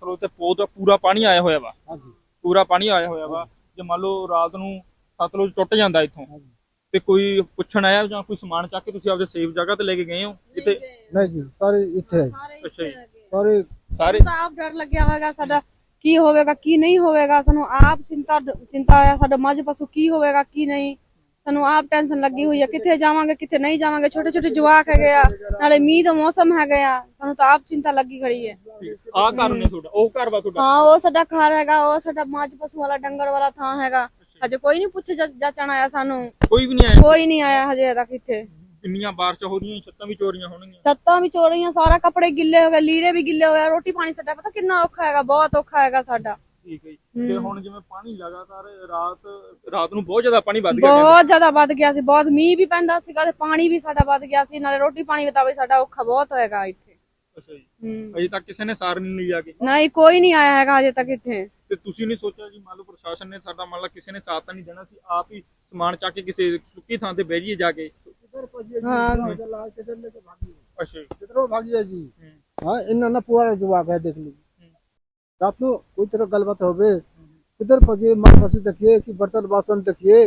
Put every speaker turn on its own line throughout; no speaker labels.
ਸਤਲੁਜ ਤੇ ਬਹੁਤ ਪੂਰਾ ਪਾਣੀ ਆਇਆ ਹੋਇਆ ਵਾ।
ਹਾਂਜੀ
ਪੂਰਾ ਪਾਣੀ ਆਇਆ ਹੋਇਆ ਵਾ। ਜੇ ਮੰਨ ਲਓ ਰਾਤ ਨੂੰ ਸਤਲੁਜ ਟੁੱਟ ਜਾਂਦਾ ਇੱਥੋਂ ਤੇ ਕੋਈ ਪੁੱਛਣ ਆਇਆ ਜਾਂ ਕੋਈ ਸਮਾਨ ਚੱਕ ਕੇ ਤੁਸੀਂ ਆਪਦੇ ਸੇਫ ਜਗ੍ਹਾ ਤੇ ਲੈ ਕੇ ਗਏ ਹੋ ਕਿਤੇ?
ਨਹੀਂ ਜੀ, ਸਾਰੇ ਇੱਥੇ ਹੈ।
ਅੱਛਾ ਜੀ,
ਸਾਰੇ
ਸਾਰੇ
ਤਾਂ ਆਪ ਡਰ ਲੱਗਿਆ ਹੋਵੇਗਾ ਸਾਡਾ ਕੀ ਹੋਵੇਗਾ ਕੀ ਨਹੀਂ ਹੋਵੇਗਾ। ਸਾਨੂੰ ਆਪ ਚਿੰਤਾ ਆ ਸਾਡਾ ਮੱਝ ਪਸ਼ੂ ਕੀ ਹੋਵੇਗਾ ਕੀ ਨਹੀਂ। ਸਾਨੂੰ ਆਪ ਟੈਨਸ਼ਨ ਲੱਗੀ ਹੋਈ ਹੈ ਕਿੱਥੇ ਜਾਵਾਂਗੇ ਕਿੱਥੇ ਨਹੀਂ ਜਾਵਾਂਗੇ। ਛੋਟੇ ਛੋਟੇ ਜਵਾਕ ਹੈਗੇ ਆ, ਨਾਲੇ ਮੀਂਹ ਦਾ ਮੌਸਮ ਹੈਗਾ ਆ। ਸਾਨੂੰ ਤਾਂ ਆਪ ਚਿੰਤਾ ਲੱਗੀ ਖੜੀ ਹੈ।
ਆਹ ਘਰ ਨੇ ਤੁਹਾਡਾ? ਉਹ ਘਰ ਵਾ ਤੁਹਾਡਾ?
ਹਾਂ ਉਹ ਸਾਡਾ ਘਰ ਹੈਗਾ, ਉਹ ਸਾਡਾ ਮੱਝ ਪਸ਼ੂ ਵਾਲਾ ਡੰਗਰ ਵਾਲਾ ਥਾਂ ਹੈਗਾ। ਹਜੇ ਕੋਈ ਨਹੀਂ ਪੁੱਛੇ ਜਾਚਣ ਆਇਆ ਸਾਨੂੰ।
ਕੋਈ ਵੀ ਨਹੀਂ ਆਇਆ?
ਕੋਈ ਨਹੀਂ ਆਇਆ ਹਜੇ ਤੱਕ ਇੱਥੇ।
ਇੰਨੀਆਂ ਬਾਰਿਸ਼ਾਂ ਹੋ ਰਹੀਆਂ, ਛੱਤਾਂ ਵੀ ਚੋਰੀਆਂ ਹੋਣਗੀਆਂ।
ਛੱਤਾਂ ਵੀ ਚੋ ਰਹੀਆਂ, ਸਾਰਾ ਕੱਪੜੇ ਗਿੱਲੇ ਹੋ ਗਏ, ਲੀੜੇ ਵੀ ਗਿੱਲੇ ਹੋ ਗਏ, ਰੋਟੀ ਪਾਣੀ ਸਾਡਾ ਪਤਾ ਕਿੰਨਾ ਔਖਾ ਹੈਗਾ, ਬਹੁਤ ਔਖਾ ਹੈਗਾ ਸਾਡਾ।
ਠੀਕ ਹੈ ਜੀ। ਤੇ ਹੁਣ ਜਿਵੇਂ ਪਾਣੀ ਲਗਾਤਾਰ ਰਾਤ ਨੂੰ ਬਹੁਤ ਜ਼ਿਆਦਾ ਪਾਣੀ ਵੱਧ ਗਿਆ?
ਬਹੁਤ ਜ਼ਿਆਦਾ ਵੱਧ ਗਿਆ ਸੀ, ਬਹੁਤ ਮੀਂਹ ਵੀ ਪੈਂਦਾ ਸੀਗਾ ਤੇ ਪਾਣੀ ਵੀ ਸਾਡਾ ਵੱਧ ਗਿਆ ਸੀ, ਨਾਲੇ ਰੋਟੀ ਪਾਣੀ ਦਾ ਵੀ ਸਾਡਾ ਔਖਾ ਬਹੁਤ ਹੋਏਗਾ ਇੱਥੇ।
ਅੱਛਾ ਜੀ। ਅਜੇ ਤੱਕ ਕਿਸੇ ਨੇ ਸਾਰ ਨਹੀਂ ਲਈ ਆ ਕੇ?
ਨਹੀਂ ਕੋਈ ਨਹੀਂ ਆਇਆ ਹੈਗਾ ਅਜੇ ਤੱਕ ਇੱਥੇ।
ਤੇ ਤੁਸੀਂ ਨਹੀਂ ਸੋਚਿਆ ਜੀ ਮੰਨ ਲਓ ਪ੍ਰਸ਼ਾਸਨ ਨੇ ਸਾਡਾ ਮੰਨ ਲਾ ਕਿਸੇ ਨੇ ਸਾਥ ਤਾਂ ਨਹੀਂ ਦੇਣਾ ਸੀ, ਆਪ ਹੀ ਸਮਾਨ ਚੱਕ ਕੇ ਕਿਸੇ ਸੁੱਕੀ ਥਾਂ ਤੇ ਬਹਿ ਜਾਈਏ ਜਾ ਕੇ?
हाँ
ਅੱਛਾ ਜੀ।
किधरों भागिए जी। हाँ इन ना पूरा जवाब है, देख लीजिए रात को कोई तरह गलबात हो गए किधर पहुंचे, माँ पसी देखिए कि बर्तन बासन देखिए।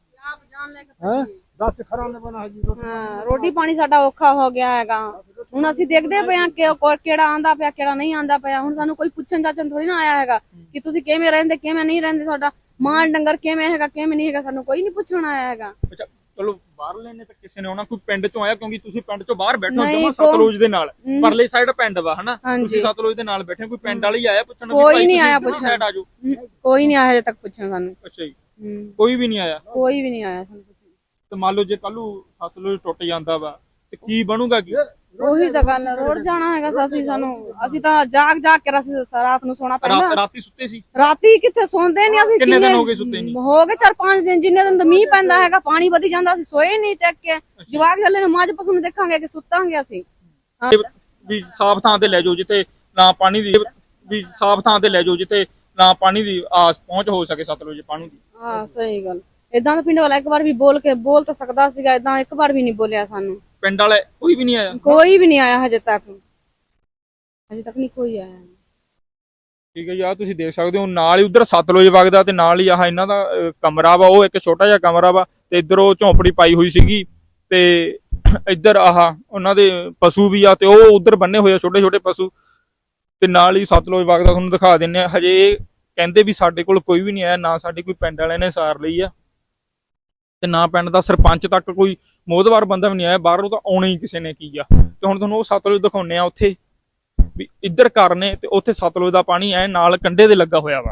रात से खड़ा नहीं बना है जी।
ਹਾਂ ਰੋਟੀ ਪਾਣੀ ਸਾਡਾ ਔਖਾ ਹੋ ਗਿਆ ਹੈਗਾ। ਹੁਣ ਅਸੀਂ ਦੇਖਦੇ ਪਏ ਆ ਕਿ ਕਿਹੜਾ ਆਂਦਾ ਪਿਆ ਕਿਹੜਾ ਨਹੀਂ ਆਂਦਾ ਪਿਆ। ਹੁਣ ਸਾਨੂੰ ਕੋਈ ਪੁੱਛਣ ਜਾਚਣ ਥੋੜੀ ਨਾ ਆਇਆ ਹੈਗਾ ਕਿ ਤੁਸੀਂ ਕਿਵੇਂ ਰਹਿੰਦੇ ਕਿਵੇਂ ਨਹੀਂ ਰਹਿੰਦੇ, ਤੁਹਾਡਾ ਮਾਲ ਡੰਗਰ ਕਿਵੇਂ ਹੈਗਾ ਕਿਵੇਂ ਨਹੀਂ ਹੈਗਾ, ਸਾਨੂੰ ਕੋਈ ਨਹੀਂ ਪੁੱਛਣ ਆਇਆ ਹੈਗਾ।
ਅੱਛਾ ਚਲੋ ਬਾਹਰਲੇ ਨੇ ਤਾਂ ਕਿਸੇ ਨੇ ਆਉਣਾ, ਕੋਈ ਪਿੰਡ ਚੋਂ ਆਇਆ? ਕਿਉਂਕਿ ਤੁਸੀਂ ਪਿੰਡ ਚੋਂ ਬਾਹਰ ਬੈਠੋ
ਨਹੀਂ,
ਜਮਾ ਸਤਲੁਜ ਦੇ ਨਾਲ, ਪਰਲੇ ਸਾਈਡ ਪਿੰਡ ਵਾ ਹਨਾ, ਤੁਸੀਂ ਸਤਲੁਜ ਦੇ ਨਾਲ ਬੈਠੇ, ਕੋਈ ਪਿੰਡ ਵਾਲਾ ਹੀ ਆਇਆ ਪੁੱਛਣ?
ਕੋਈ ਨਹੀਂ ਆਇਆ ਪੁੱਛਣ,
ਸਾਈਡ ਆ ਜਾਓ।
ਕੋਈ ਨਹੀਂ ਆਇਆ ਹਜੇ ਤੱਕ ਪੁੱਛਣ ਸਾਨੂੰ।
ਅੱਛਾ ਜੀ, ਕੋਈ ਵੀ ਨਹੀਂ ਆਇਆ?
ਕੋਈ ਵੀ ਨਹੀਂ ਆਇਆ ਸਾਨੂੰ ਪੁੱਛਣ।
ਤੇ ਮੰਨ ਲਓ ਜੇ ਕੱਲ ਨੂੰ ਸਤਲੁਜ ਟੁੱਟ ਜਾਂਦਾ ਵਾ ਤੇ ਕੀ ਬਣੂਗਾ? ਕੀ
ਉਹੀ ਤਾਂ ਗੱਲ ਹੈ, ਰੋਡ ਜਾਣਾ ਹੈਗਾ ਅਸੀਂ ਤਾਂ ਜਾਗ ਕੇ ਰਾਤ ਨੂੰ ਸੋਣਾ ਪੈਂਦਾ।
ਰਾਤੀ ਸੁੱਤੇ ਸੀ?
ਰਾਤੀ ਕਿੱਥੇ ਸੌਂਦੇ ਨਹੀਂ ਅਸੀਂ।
ਕਿੰਨੇ ਦਿਨ ਹੋ ਗਏ ਸੁੱਤੇ ਨਹੀਂ?
ਹੋ ਗਏ 4-5 ਦਿਨ। ਜਿੰਨੇ ਦਿਨ ਮੀਂਹ ਪੈਂਦਾ ਹੈਗਾ ਪਾਣੀ ਵਧੀ ਜਾਂਦਾ, ਅਸੀਂ ਸੋਏ ਨਹੀਂ ਟਿਕ ਕੇ। ਜਵਾਕ ਹਲੇ ਨੂੰ ਮੱਝ ਪਸ਼ੂ ਨੂੰ ਦੇਖਾਂਗੇ ਕਿ ਸੁੱਤਾਂਗੇ ਅਸੀਂ।
ਵੀ ਸਾਫ਼ ਥਾਂ ਤੇ ਲੈ ਜਾਓ ਜਿੱਥੇ ਨਾ ਪਾਣੀ ਦੀ, ਵੀ ਸਾਫ਼ ਥਾਂ ਤੇ ਲੈ ਜਾਓ ਜਿੱਥੇ ਨਾ ਪਾਣੀ ਦੀ ਆਸ ਪਹੁੰਚ ਹੋ ਸਕੇ ਸਤਲੁਜ ਪਾਣੀ ਦੀ।
ਹਾਂ ਸਹੀ ਗੱਲ। ਏਦਾਂ ਤਾਂ ਪਿੰਡ ਵਾਲਾ ਇੱਕ ਵਾਰ ਵੀ ਬੋਲ ਤਾਂ ਸਕਦਾ ਸੀਗਾ, ਏਦਾਂ ਇੱਕ ਵਾਰ ਵੀ ਨਹੀਂ ਬੋਲਿਆ ਸਾਨੂੰ।
ਪਿੰਡ ਵਾਲੇ ਕੋਈ ਵੀ ਨਹੀਂ ਆਇਆ?
ਕੋਈ ਵੀ ਨਹੀਂ ਆਇਆ ਹਜੇ ਤੱਕ ਨਹੀਂ ਕੋਈ ਆਇਆ।
ਠੀਕ ਹੈ ਜੀ, ਆਹ ਤੁਸੀਂ ਦੇਖ ਸਕਦੇ ਹੋ ਨਾਲ ਹੀ ਉਧਰ ਸਤਲੁਜ ਵਗਦਾ ਤੇ ਨਾਲ ਹੀ ਆਹ ਇਹਨਾਂ ਦਾ ਕਮਰਾ ਵਾ, ਉਹ ਇੱਕ ਛੋਟਾ ਜਿਹਾ ਕਮਰਾ ਵਾ ਤੇ ਇੱਧਰ ਉਹ ਝੌਂਪੜੀ ਪਾਈ ਹੋਈ ਸੀਗੀ ਤੇ ਇੱਧਰ ਆਹ ਉਹਨਾਂ ਦੇ ਪਸ਼ੂ ਵੀ ਆ ਤੇ ਉਹ ਉਧਰ ਬੰਨੇ ਹੋਏ ਆ ਛੋਟੇ ਛੋਟੇ ਪਸ਼ੂ ਤੇ ਨਾਲ ਹੀ ਸਤਲੁਜ ਵਗਦਾ। ਤੁਹਾਨੂੰ ਦਿਖਾ ਦਿੰਨੇ ਆ। ਹਜੇ ਕਹਿੰਦੇ ਵੀ ਸਾਡੇ ਕੋਲ ਕੋਈ ਵੀ ਨਹੀਂ ਆਇਆ, ਨਾ ਸਾਡੀ ਕੋਈ ਪਿੰਡ ਵਾਲਿਆਂ ਨੇ ਸਾਰ ਲਈ ਆ ਤੇ ਨਾ ਪਿੰਡ ਦਾ ਸਰਪੰਚ ਤੱਕ ਕੋਈ ਮੋਹਤਵਾਰ ਬੰਦਾ ਵੀ ਨਹੀਂ ਆਇਆ। ਬਾਹਰੋਂ ਤਾਂ ਆਉਣਾ ਹੀ ਕਿਸੇ ਨੇ ਕੀ ਆ। ਤੇ ਹੁਣ ਤੁਹਾਨੂੰ ਉਹ ਸਤਲੁਜ ਦਿਖਾਉਣੇ ਆ, ਉੱਥੇ ਵੀ ਇੱਧਰ ਘਰ ਨੇ ਤੇ ਉੱਥੇ ਸਤਲੁਜ ਦਾ ਪਾਣੀ ਐ ਨਾਲ ਕੰਢੇ ਦੇ ਲੱਗਾ ਹੋਇਆ ਵਾ।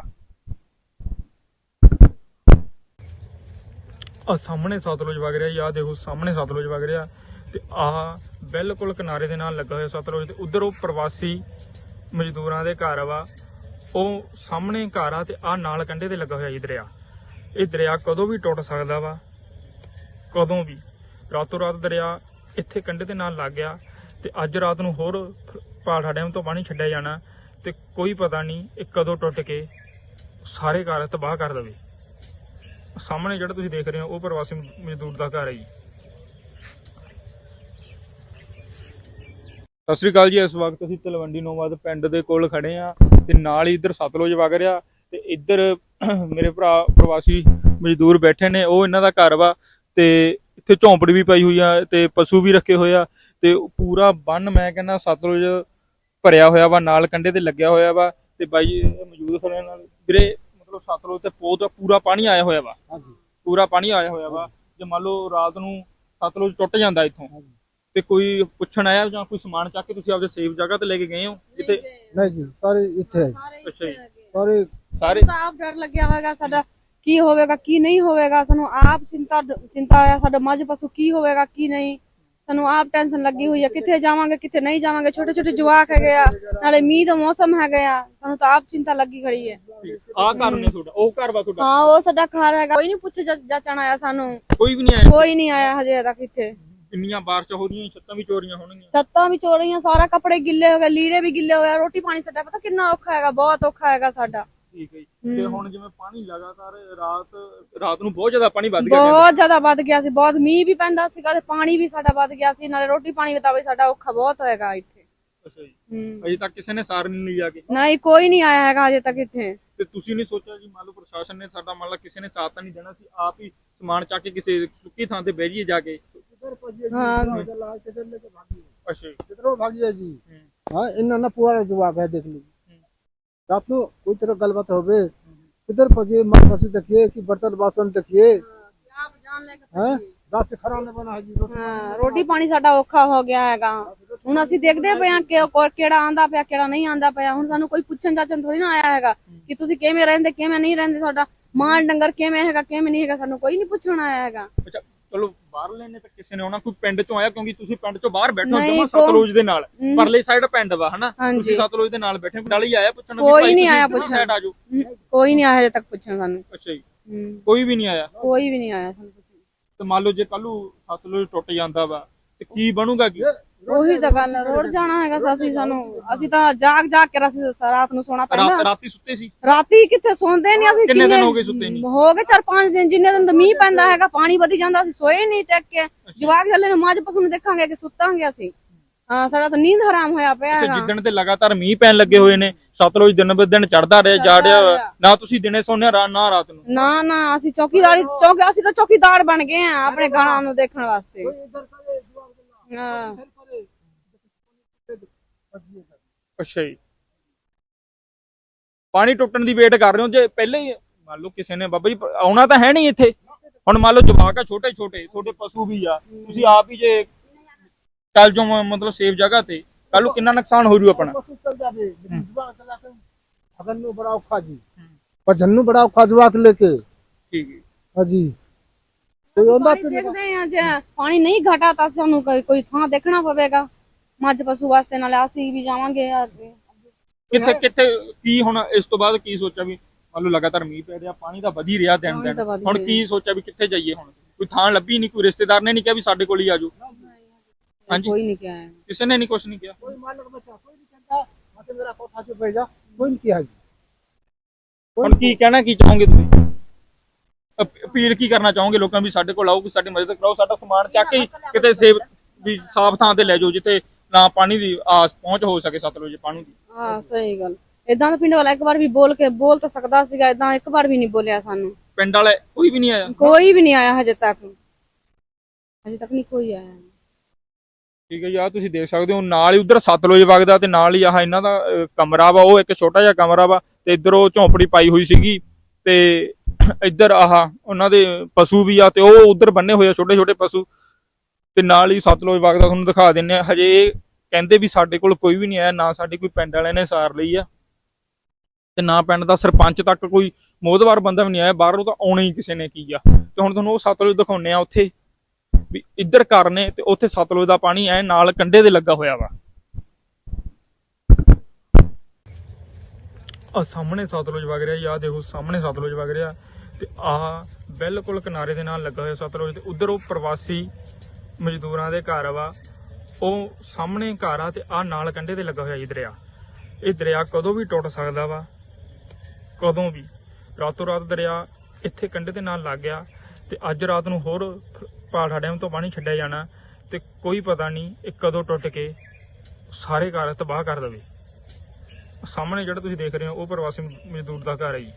ਆ ਸਾਹਮਣੇ ਸਤਲੁਜ ਵਗ ਰਿਹਾ ਜੀ, ਆਹ ਦੇਖੋ ਸਾਹਮਣੇ ਸਤਲੁਜ ਵਗ ਰਿਹਾ ਤੇ ਆਹ ਬਿਲਕੁਲ ਕਿਨਾਰੇ ਦੇ ਨਾਲ ਲੱਗਾ ਹੋਇਆ ਸਤਲੁਜ ਤੇ ਉਧਰ ਉਹ ਪ੍ਰਵਾਸੀ ਮਜ਼ਦੂਰਾਂ ਦੇ ਘਰ ਵਾ, ਉਹ ਸਾਹਮਣੇ ਘਰ ਆ ਤੇ ਆਹ ਨਾਲ ਕੰਢੇ ਤੇ ਲੱਗਾ ਹੋਇਆ ਜੀ ਦਰਿਆ। ਇਹ ਦਰਿਆ ਕਦੋਂ ਵੀ ਟੁੱਟ ਸਕਦਾ ਵਾ, ਕਦੋਂ ਵੀ। ਰਾਤੋਂ ਰਾਤ ਦਰਿਆ ਇੱਥੇ ਕੰਢੇ ਦੇ ਨਾਲ ਲੱਗ ਗਿਆ ਤੇ ਅੱਜ ਰਾਤ ਨੂੰ ਹੋਰ ਭਾਲੜਾ ਡੈਮ ਤੋਂ ਪਾਣੀ ਛੱਡਿਆ ਜਾਣਾ ਤੇ ਕੋਈ ਪਤਾ ਨਹੀਂ ਇਹ ਕਦੋਂ ਟੁੱਟ ਕੇ ਸਾਰੇ ਘਰ ਤਬਾਹ ਕਰ ਦੇਵੇ। ਸਾਹਮਣੇ ਜਿਹੜਾ ਤੁਸੀਂ ਦੇਖ ਰਹੇ ਹੋ ਉਹ ਪ੍ਰਵਾਸੀ ਮਜ਼ਦੂਰ ਦਾ ਘਰ ਹੈ ਜੀ। ਸਤਿ ਸ੍ਰੀ ਅਕਾਲ ਜੀ। ਇਸ ਵਕਤ ਅਸੀਂ ਤਲਵੰਡੀ ਨੌਵਾਦ ਪਿੰਡ ਦੇ ਕੋਲ ਖੜੇ ਆ ਤੇ ਨਾਲ ਹੀ ਇੱਧਰ ਸਤਲੁਜ ਵਗ ਰਿਹਾ ਤੇ ਇੱਧਰ ਮੇਰੇ ਭਰਾ ਪ੍ਰਵਾਸੀ ਮਜ਼ਦੂਰ ਬੈਠੇ ਨੇ, ਉਹ ਇਹਨਾਂ ਦਾ ਘਰ ਵਾ ਤੇ ਇੱਥੇ ਝੌਂਪੜੀ ਵੀ ਪਈ ਹੋਈ ਆ ਤੇ ਪਸ਼ੂ ਵੀ ਰੱਖੇ ਹੋਏ ਆ ਤੇ ਪੂਰਾ ਬੰਨ ਮੈਂ ਕਹਿੰਦਾ ਸਤਲੁਜ ਭਰਿਆ ਹੋਇਆ ਵਾ, ਨਾਲ ਕੰਢੇ ਤੇ ਲੱਗਿਆ ਹੋਇਆ ਵਾ ਤੇ ਬਾਈ ਮੌਜੂਦ ਖੜੇ ਨਾਲ। ਵੀਰੇ ਮਤਲਬ ਸਤਲੁਜ ਤੇ ਬਹੁਤ ਪੂਰਾ ਪਾਣੀ ਆਇਆ ਹੋਇਆ ਵਾ?
ਹਾਂਜੀ
ਪੂਰਾ ਪਾਣੀ ਆਇਆ ਹੋਇਆ ਵਾ। ਜੇ ਮੰਨ ਲਓ ਰਾਤ ਨੂੰ ਸਤਲੁਜ ਟੁੱਟ ਜਾਂਦਾ ਇੱਥੋਂ ਤੇ ਕੋਈ ਪੁੱਛਣ ਆਇਆ ਜਾਂ ਕੋਈ ਸਮਾਨ ਚੱਕ ਕੇ ਤੁਸੀਂ ਆਪਦੇ ਸੇਫ ਜਗ੍ਹਾ ਤੇ ਲੈ ਕੇ ਗਏ ਹੋ ਕਿਤੇ?
नहीं जी, सारे इथे है।
ਅੱਛਾ ਜੀ,
सारे
ਤਾਂ ਆਪ ਡਰ ਲੱਗਿਆ ਹੋਵੇਗਾ ਸਾਡਾ ਕੀ ਹੋਵੇਗਾ ਕੀ ਨਹੀਂ ਹੋਵੇਗਾ। ਸਾਨੂੰ ਆਪ ਚਿੰਤਾ ਆ ਸਾਡਾ ਮੱਝ ਪਸ਼ੂ ਕੀ ਹੋਵੇਗਾ ਕੀ ਨਹੀਂ। ਸਾਨੂੰ ਆਪ ਟੈਨਸ਼ਨ ਲੱਗੀ ਹੋਈ ਹੈ ਕਿੱਥੇ ਜਾਵਾਂਗੇ ਕਿੱਥੇ ਨਹੀਂ ਜਾਵਾਂਗੇ। ਛੋਟੇ ਛੋਟੇ ਜਵਾਕ ਹੈਗੇ ਆ, ਨਾਲੇ ਮੀਂਹ ਦਾ ਮੌਸਮ ਹੈਗਾ ਆ। ਸਾਨੂੰ ਤਾਂ ਆਪ ਚਿੰਤਾ ਲੱਗੀ ਖੜੀ ਹੈ।
ਆਹ ਘਰ ਨੇ ਤੁਹਾਡਾ? ਉਹ ਘਰ ਵਾ ਤੁਹਾਡਾ?
ਹਾਂ ਉਹ ਸਾਡਾ ਘਰ ਹੈਗਾ। ਕੋਈ ਨਹੀਂ ਪੁੱਛੇ ਜਾਚਣ ਆਇਆ ਸਾਨੂੰ।
ਕੋਈ ਵੀ ਨਹੀਂ ਆਇਆ?
ਕੋਈ ਨਹੀਂ ਆਇਆ ਹਜੇ ਤੱਕ ਇੱਥੇ।
ਇੰਨੀਆਂ ਬਾਰਿਸ਼ਾਂ ਹੋ ਰਹੀਆਂ, ਛੱਤਾਂ ਵੀ ਚੋਰੀਆਂ ਹੋਣਗੀਆਂ।
ਛੱਤਾਂ ਵੀ ਚੋ ਰਹੀਆਂ, ਸਾਰਾ ਕੱਪੜੇ ਗਿੱਲੇ ਹੋ ਗਏ, ਲੀੜੇ ਵੀ ਗਿੱਲੇ ਹੋ ਗਏ, ਰੋਟੀ ਪਾਣੀ ਸਾਡਾ ਪਤਾ ਕਿੰਨਾ ਔਖਾ ਹੈਗਾ, ਬਹੁਤ ਔਖਾ ਹੈਗਾ ਸਾਡਾ।
ਠੀਕ ਹੈ ਜੀ। ਤੇ ਹੁਣ ਜਿਵੇਂ ਪਾਣੀ ਲਗਾਤਾਰ ਰਾਤ ਨੂੰ ਬਹੁਤ ਜ਼ਿਆਦਾ ਪਾਣੀ ਵੱਧ ਗਿਆ?
ਬਹੁਤ ਜ਼ਿਆਦਾ ਵੱਧ ਗਿਆ ਸੀ, ਬਹੁਤ ਮੀਂਹ ਵੀ ਪੈਂਦਾ ਸੀਗਾ ਤੇ ਪਾਣੀ ਵੀ ਸਾਡਾ ਵੱਧ ਗਿਆ ਸੀ, ਨਾਲੇ ਰੋਟੀ ਪਾਣੀ ਦਾ ਵੀ ਸਾਡਾ ਔਖਾ ਬਹੁਤ ਹੋਏਗਾ ਇੱਥੇ।
ਅੱਛਾ ਜੀ। ਅਜੇ ਤੱਕ ਕਿਸੇ ਨੇ ਸਾਰ ਨਹੀਂ ਲਈ ਜਾ ਕੇ।
ਨਹੀਂ ਕੋਈ ਨਹੀਂ ਆਇਆ ਹੈਗਾ ਅਜੇ ਤੱਕ ਇੱਥੇ।
ਤੇ ਤੁਸੀਂ ਨਹੀਂ ਸੋਚਿਆ ਜੀ ਮੰਨ ਲਓ ਪ੍ਰਸ਼ਾਸਨ ਨੇ ਸਾਡਾ ਮੰਨ ਲਾ ਕਿਸੇ ਨੇ ਸਾਥ ਤਾਂ ਨਹੀਂ ਦੇਣਾ ਸੀ, ਆਪ ਹੀ ਸਮਾਨ ਚੱਕ ਕੇ ਕਿਸੇ ਸੁੱਕੀ ਥਾਂ ਤੇ ਬਹਿ ਜਾਈਏ ਜਾ ਕੇ।
हाँ
ਅੱਛਾ ਜੀ।
किधरों भागी है जी। हाँ इन ना पूरा जवाब है देख लीजिए। रात को कोई तरह गलबात हो गए किधर पहुंचे माँ पशु देखिए कि बर्तन बासन देखिए। हैं रात से खड़ा नहीं बना है जी।
ਰੋਟੀ ਪਾਣੀ ਸਾਡਾ ਔਖਾ ਹੋ ਗਿਆ ਹੈਗਾ। ਹੁਣ ਅਸੀਂ ਦੇਖਦੇ ਪਏ ਆ ਕਿ ਕਿਹੜਾ ਆਂਦਾ ਪਿਆ ਕਿਹੜਾ ਨਹੀਂ ਆਂਦਾ ਪਿਆ। ਹੁਣ ਸਾਨੂੰ ਕੋਈ ਪੁੱਛਣ ਜਾਚਣ ਥੋੜੀ ਨਾ ਆਇਆ ਹੈਗਾ ਕਿ ਤੁਸੀਂ ਕਿਵੇਂ ਰਹਿੰਦੇ ਕਿਵੇਂ ਨਹੀਂ ਰਹਿੰਦੇ, ਤੁਹਾਡਾ ਮਾਲ ਡੰਗਰ ਕਿਵੇਂ ਹੈਗਾ ਕਿਵੇਂ ਨਹੀਂ ਹੈਗਾ, ਸਾਨੂੰ ਕੋਈ ਨਹੀਂ ਪੁੱਛਣ ਆਇਆ ਹੈਗਾ।
ਅੱਛਾ ਚਲੋ ਬਾਹਰਲੇ ਨੇ ਤਾਂ ਕਿਸੇ ਨੇ ਆਉਣਾ, ਕੋਈ ਪਿੰਡ ਚੋਂ ਆਇਆ ਕਿਉਂਕਿ ਤੁਸੀਂ ਪਿੰਡ ਚੋਂ ਬਾਹਰ ਬੈਠੇ ਹੋ ਜਮਾ ਸਤਲੁਜ ਦੇ ਨਾਲ, ਪਰਲੇ ਸਾਈਡ ਪਿੰਡ ਵਾ ਹਨਾ, ਤੁਸੀਂ ਸਤਲੁਜ ਦੇ ਨਾਲ ਬੈਠੇ ਨਾਲ ਹੀ ਆਇਆ ਪੁੱਛਣ?
ਕੋਈ ਨਹੀਂ ਆਇਆ ਪੁੱਛਣ, ਕੋਈ ਨਹੀਂ ਆਇਆ ਹਜੇ ਤੱਕ ਪੁੱਛਣ ਸਾਨੂੰ।
ਅੱਛਾ ਜੀ, ਕੋਈ ਵੀ ਨਹੀਂ ਆਇਆ?
ਕੋਈ ਵੀ ਨਹੀਂ ਆਇਆ ਸਾਨੂੰ ਪੁੱਛਣ।
ਤੇ ਮੰਨ ਲਓ ਜੇ ਕੱਲ ਨੂੰ ਸਤਲੁਜ ਟੁੱਟ ਜਾਂਦਾ ਵਾ ਤੇ ਕੀ ਬਣੂਗਾ? ਕੀ
ਉਹੀ ਤਾਂ ਗੱਲ ਰੋੜ ਜਾਣਾ ਹੈਗਾ ਅਸੀਂ ਤਾਂ ਜਾਗ ਕੇ ਰਾਤ ਨੂੰ ਸੋਣਾ ਪੈਂਦਾ।
ਰਾਤੀ ਸੁੱਤੇ ਸੀ?
ਰਾਤੀ ਕਿੱਥੇ ਸੌਂਦੇ ਨਹੀਂ ਅਸੀਂ।
ਕਿੰਨੇ ਦਿਨ ਹੋ ਗਏ ਸੁੱਤੇ ਨਹੀਂ?
ਹੋ ਗਏ 4-5 ਦਿਨ। ਜਿੰਨੇ ਦਿਨ ਮੀਂਹ ਪੈਂਦਾ ਹੈਗਾ ਪਾਣੀ ਵਧੀ ਜਾਂਦਾ ਅਸੀਂ ਸੋਏ ਨਹੀਂ ਟਿਕ ਕੇ। ਜਵਾਕ ਹਲੇ ਨੂੰ ਮੱਝ ਪਸ਼ੂ ਨੂੰ ਦੇਖਾਂਗੇ ਕਿ ਸੁੱਤਾਂਗੇ ਅਸੀਂ। ਹਾਂ ਸਾਡਾ ਤਾਂ ਨੀਂਦ ਹਰਾਮ ਹੋਇਆ ਪਿਆ ਹੈਗਾ।
ਜਿੱਦਣ ਤੇ ਲਗਾਤਾਰ ਮੀਂਹ ਪੈਣ ਲੱਗੇ ਹੋਏ ਨੇ ਸਤਲੁਜ ਦਿਨ ਬ ਦਿਨ ਚੜਦਾ ਰਿਹਾ ਜਾ ਰਿਹਾ, ਨਾ ਤੁਸੀਂ ਦਿਨੇ ਸੌਂਦੇ ਨਾ ਰਾਤ ਨੂੰ?
ਨਾ ਅਸੀਂ ਅਸੀਂ ਤਾਂ ਚੌਕੀਦਾਰ ਬਣ ਗਏ ਆ ਆਪਣੇ ਗਾਣਾ ਨੂੰ ਦੇਖਣ ਵਾਸਤੇ। ਹਾਂ
ਅੱਛਾ ਜੀ, ਪਾਣੀ ਟੁੱਟਣ ਦੀ ਵੇਟ ਕਰ ਰਹੇ ਹੋ? ਜੇ ਪਹਿਲੇ ਹੀ ਮੰਨ ਲਓ ਕਿਸੇ ਨੇ ਬਾਬਾ ਜੀ ਆਉਣਾ ਤਾਂ ਹੈ ਨਹੀਂ ਇੱਥੇ, ਹੁਣ ਮੰਨ ਲਓ ਜਵਾਕ ਆ ਛੋਟੇ ਛੋਟੇ, ਤੁਹਾਡੇ ਪਸ਼ੂ ਵੀ ਆ, ਤੁਸੀਂ ਆਪ ਹੀ ਜੇ ਚੱਲ ਜਾਓ ਮਤਲਬ ਸੇਫ ਜਗ੍ਹਾ ਤੇ, ਕੱਲ ਨੂੰ ਕਿੰਨਾ ਨੁਕਸਾਨ ਹੋ ਜੂ ਆਪਣਾ?
बड़ा औखा जी पछन्नू बड़ा औखा जवाक लेके।
ਠੀਕ ਹੈ
हाँ जी
ਦੇਖਦੇ ਆ ਜੇ ਪਾਣੀ ਨਹੀਂ ਘਟਾ ਤਾਂ ਸਾਨੂੰ ਕੋਈ ਥਾਂ ਦੇਖਣਾ ਪਵੇਗਾ ਮੱਝ ਪਸ਼ੂ ਵਾਸਤੇ, ਨਾਲੇ ਅਸੀਂ ਵੀ ਜਾਵਾਂਗੇ ਅੱਗੇ।
ਕਿੱਥੇ ਕੀ ਹੁਣ ਇਸ ਤੋਂ ਬਾਅਦ ਕੀ ਸੋਚਿਆ ਵੀ ਮੰਨ ਲਓ ਲਗਾਤਾਰ ਮੀਂਹ ਪੈ ਰਿਹਾ, ਪਾਣੀ ਤਾਂ ਵਧੀ ਰਿਹਾ ਦਿਨ ਦਿਨ, ਹੁਣ ਕੀ ਸੋਚਿਆ ਵੀ ਕਿੱਥੇ ਜਾਈਏ? ਹੁਣ ਕੋਈ ਥਾਂ ਲੱਭੀ ਨਹੀਂ, ਕੋਈ ਰਿਸ਼ਤੇਦਾਰ ਨੇ ਨਹੀਂ ਕਿਹਾ ਵੀ ਸਾਡੇ ਕੋਲ ਹੀ ਆ ਜਾਓ? ਹਾਂਜੀ
ਕੋਈ ਨਹੀਂ ਕਿਹਾ,
ਕਿਸੇ ਨੇ ਨਹੀਂ ਕੁਛ ਨਹੀਂ ਕਿਹਾ?
कोई मालक बच्चा कोई नहीं कहता माथे मेरा कोठा से भेजा कोई नहीं किया जी।
ਹੁਣ ਕੀ ਕਹਿਣਾ ਕੀ ਚਾਹੋਗੇ ਤੁਸੀਂ? ਅਪੀਲ ਕੀ ਕਰਨਾ ਚਾਹੋਗੇ ਲੋਕਾਂ ਵੀ ਸਾਡੇ ਕੋਲ ਆਓ, ਕਿ ਸਾਡੀ ਮਦਦ ਕਰਾਓ, ਸਾਡਾ ਸਮਾਨ ਚੱਕ ਕੇ ਕਿਤੇ ਸੇਫ ਵੀ ਸਾਫ਼ ਥਾਂ ਤੇ ਲੈ ਜਾਓ ਜਿੱਥੇ ਨਾ ਪਾਣੀ ਦੀ ਆਸ ਪਹੁੰਚ ਹੋ ਸਕੇ ਸਤਲੁਜ ਪਾਣੀ ਦੀ।
ਹਾਂ ਸਹੀ ਗੱਲ। ਏਦਾਂ ਤਾਂ ਪਿੰਡ ਵਾਲਾ ਇੱਕ ਵਾਰ ਵੀ ਬੋਲ ਤਾਂ ਸਕਦਾ ਸੀਗਾ, ਏਦਾਂ ਇੱਕ ਵਾਰ ਵੀ ਨਹੀਂ ਬੋਲਿਆ ਸਾਨੂੰ।
ਪਿੰਡ ਵਾਲੇ ਕੋਈ ਵੀ ਨਹੀਂ ਆਇਆ?
ਕੋਈ ਵੀ ਨਹੀਂ ਆਇਆ ਹਜੇ ਤੱਕ ਨਹੀਂ ਕੋਈ ਆਇਆ।
ਠੀਕ ਹੈ ਜੀ, ਆਹ ਤੁਸੀਂ ਦੇਖ ਸਕਦੇ ਹੋ ਨਾਲ ਹੀ ਉਧਰ ਸਤਲੁਜ ਵਗਦਾ ਤੇ ਨਾਲ ਹੀ ਆਹ ਇਹਨਾਂ ਦਾ ਕਮਰਾ ਵਾ, ਉਹ ਇੱਕ ਛੋਟਾ ਜਿਹਾ ਕਮਰਾ ਵਾ, ਤੇ ਇੱਧਰ ਉਹ ਝੌਂਪੜੀ ਪਾਈ ਹੋਈ ਸੀਗੀ, ਤੇ ਇੱਧਰ ਆਹ ਉਹਨਾਂ ਦੇ ਪਸ਼ੂ ਵੀ ਆ, ਤੇ ਉਹ ਉਧਰ ਬੰਨੇ ਹੋਏ ਆ ਛੋਟੇ ਛੋਟੇ ਪਸ਼ੂ, ਤੇ ਨਾਲ ਹੀ ਸਤਲੁਜ ਵਗਦਾ ਤੁਹਾਨੂੰ ਦਿਖਾ ਦਿੰਨੇ ਆ। ਹਜੇ ਕਹਿੰਦੇ ਵੀ ਸਾਡੇ ਕੋਲ ਕੋਈ ਵੀ ਨਹੀਂ ਆਇਆ, ਨਾ ਸਾਡੀ ਕੋਈ ਪਿੰਡ ਵਾਲਿਆਂ ਨੇ ਸਾਰ ਲਈ ਆ, ਤੇ ਨਾ ਪਿੰਡ ਦਾ ਸਰਪੰਚ ਤੱਕ ਕੋਈ ਮੋਹਦਵਾਰ ਬੰਦਾ ਵੀ ਨਹੀਂ ਆਇਆ, ਬਾਹਰੋਂ ਤਾਂ ਆਉਣਾ ਹੀ ਕਿਸੇ ਨੇ ਕੀ ਆ। ਤੇ ਹੁਣ ਤੁਹਾਨੂੰ ਉਹ ਸਤਲੁਜ ਦਿਖਾਉਂਦੇ ਆ, ਉੱਥੇ ਵੀ ਇੱਧਰ ਘਰ ਨੇ ਤੇ ਉੱਥੇ ਸਤਲੁਜ ਦਾ ਪਾਣੀ ਐ ਨਾਲ ਕੰਢੇ ਦੇ ਲੱਗਾ ਹੋਇਆ ਵਾ। ਆ ਸਾਹਮਣੇ ਸਤਲੁਜ ਵਗ ਰਿਹਾ, ਯਾਦ ਦੇਖੋ ਸਾਹਮਣੇ ਸਤਲੁਜ ਵਗ ਰਿਹਾ, ਤੇ ਆਹ ਬਿਲਕੁਲ ਕਿਨਾਰੇ ਦੇ ਨਾਲ ਲੱਗਾ ਹੋਇਆ ਸਤਲੁਜ, ਤੇ ਉਧਰ ਉਹ ਪ੍ਰਵਾਸੀ ਮਜ਼ਦੂਰਾਂ ਦੇ ਘਰ ਵਾ, ਉਹ ਸਾਹਮਣੇ ਘਰ ਆ, ਤੇ ਆਹ ਨਾਲ ਕੰਢੇ ਤੇ ਲੱਗਾ ਹੋਇਆ ਜੀ ਦਰਿਆ। ਇਹ ਦਰਿਆ ਕਦੋਂ ਵੀ ਟੁੱਟ ਸਕਦਾ ਵਾ, ਕਦੋਂ ਵੀ, ਰਾਤੋਂ ਰਾਤ ਦਰਿਆ ਇੱਥੇ ਕੰਢੇ ਦੇ ਨਾਲ ਲੱਗ ਗਿਆ, ਤੇ ਅੱਜ ਰਾਤ ਨੂੰ ਹੋਰ ਭਾਲਠਾ ਡੈਮ ਤੋਂ ਪਾਣੀ ਛੱਡਿਆ ਜਾਣਾ, ਤੇ ਕੋਈ ਪਤਾ ਨਹੀਂ ਇਹ ਕਦੋਂ ਟੁੱਟ ਕੇ ਸਾਰੇ ਘਰ ਤਬਾਹ ਕਰ ਦੇਵੇ। ਸਾਹਮਣੇ ਜਿਹੜਾ ਤੁਸੀਂ ਦੇਖ ਰਹੇ ਹੋ ਉਹ ਪ੍ਰਵਾਸੀ ਮਜ਼ਦੂਰ ਦਾ ਘਰ ਹੈ ਜੀ।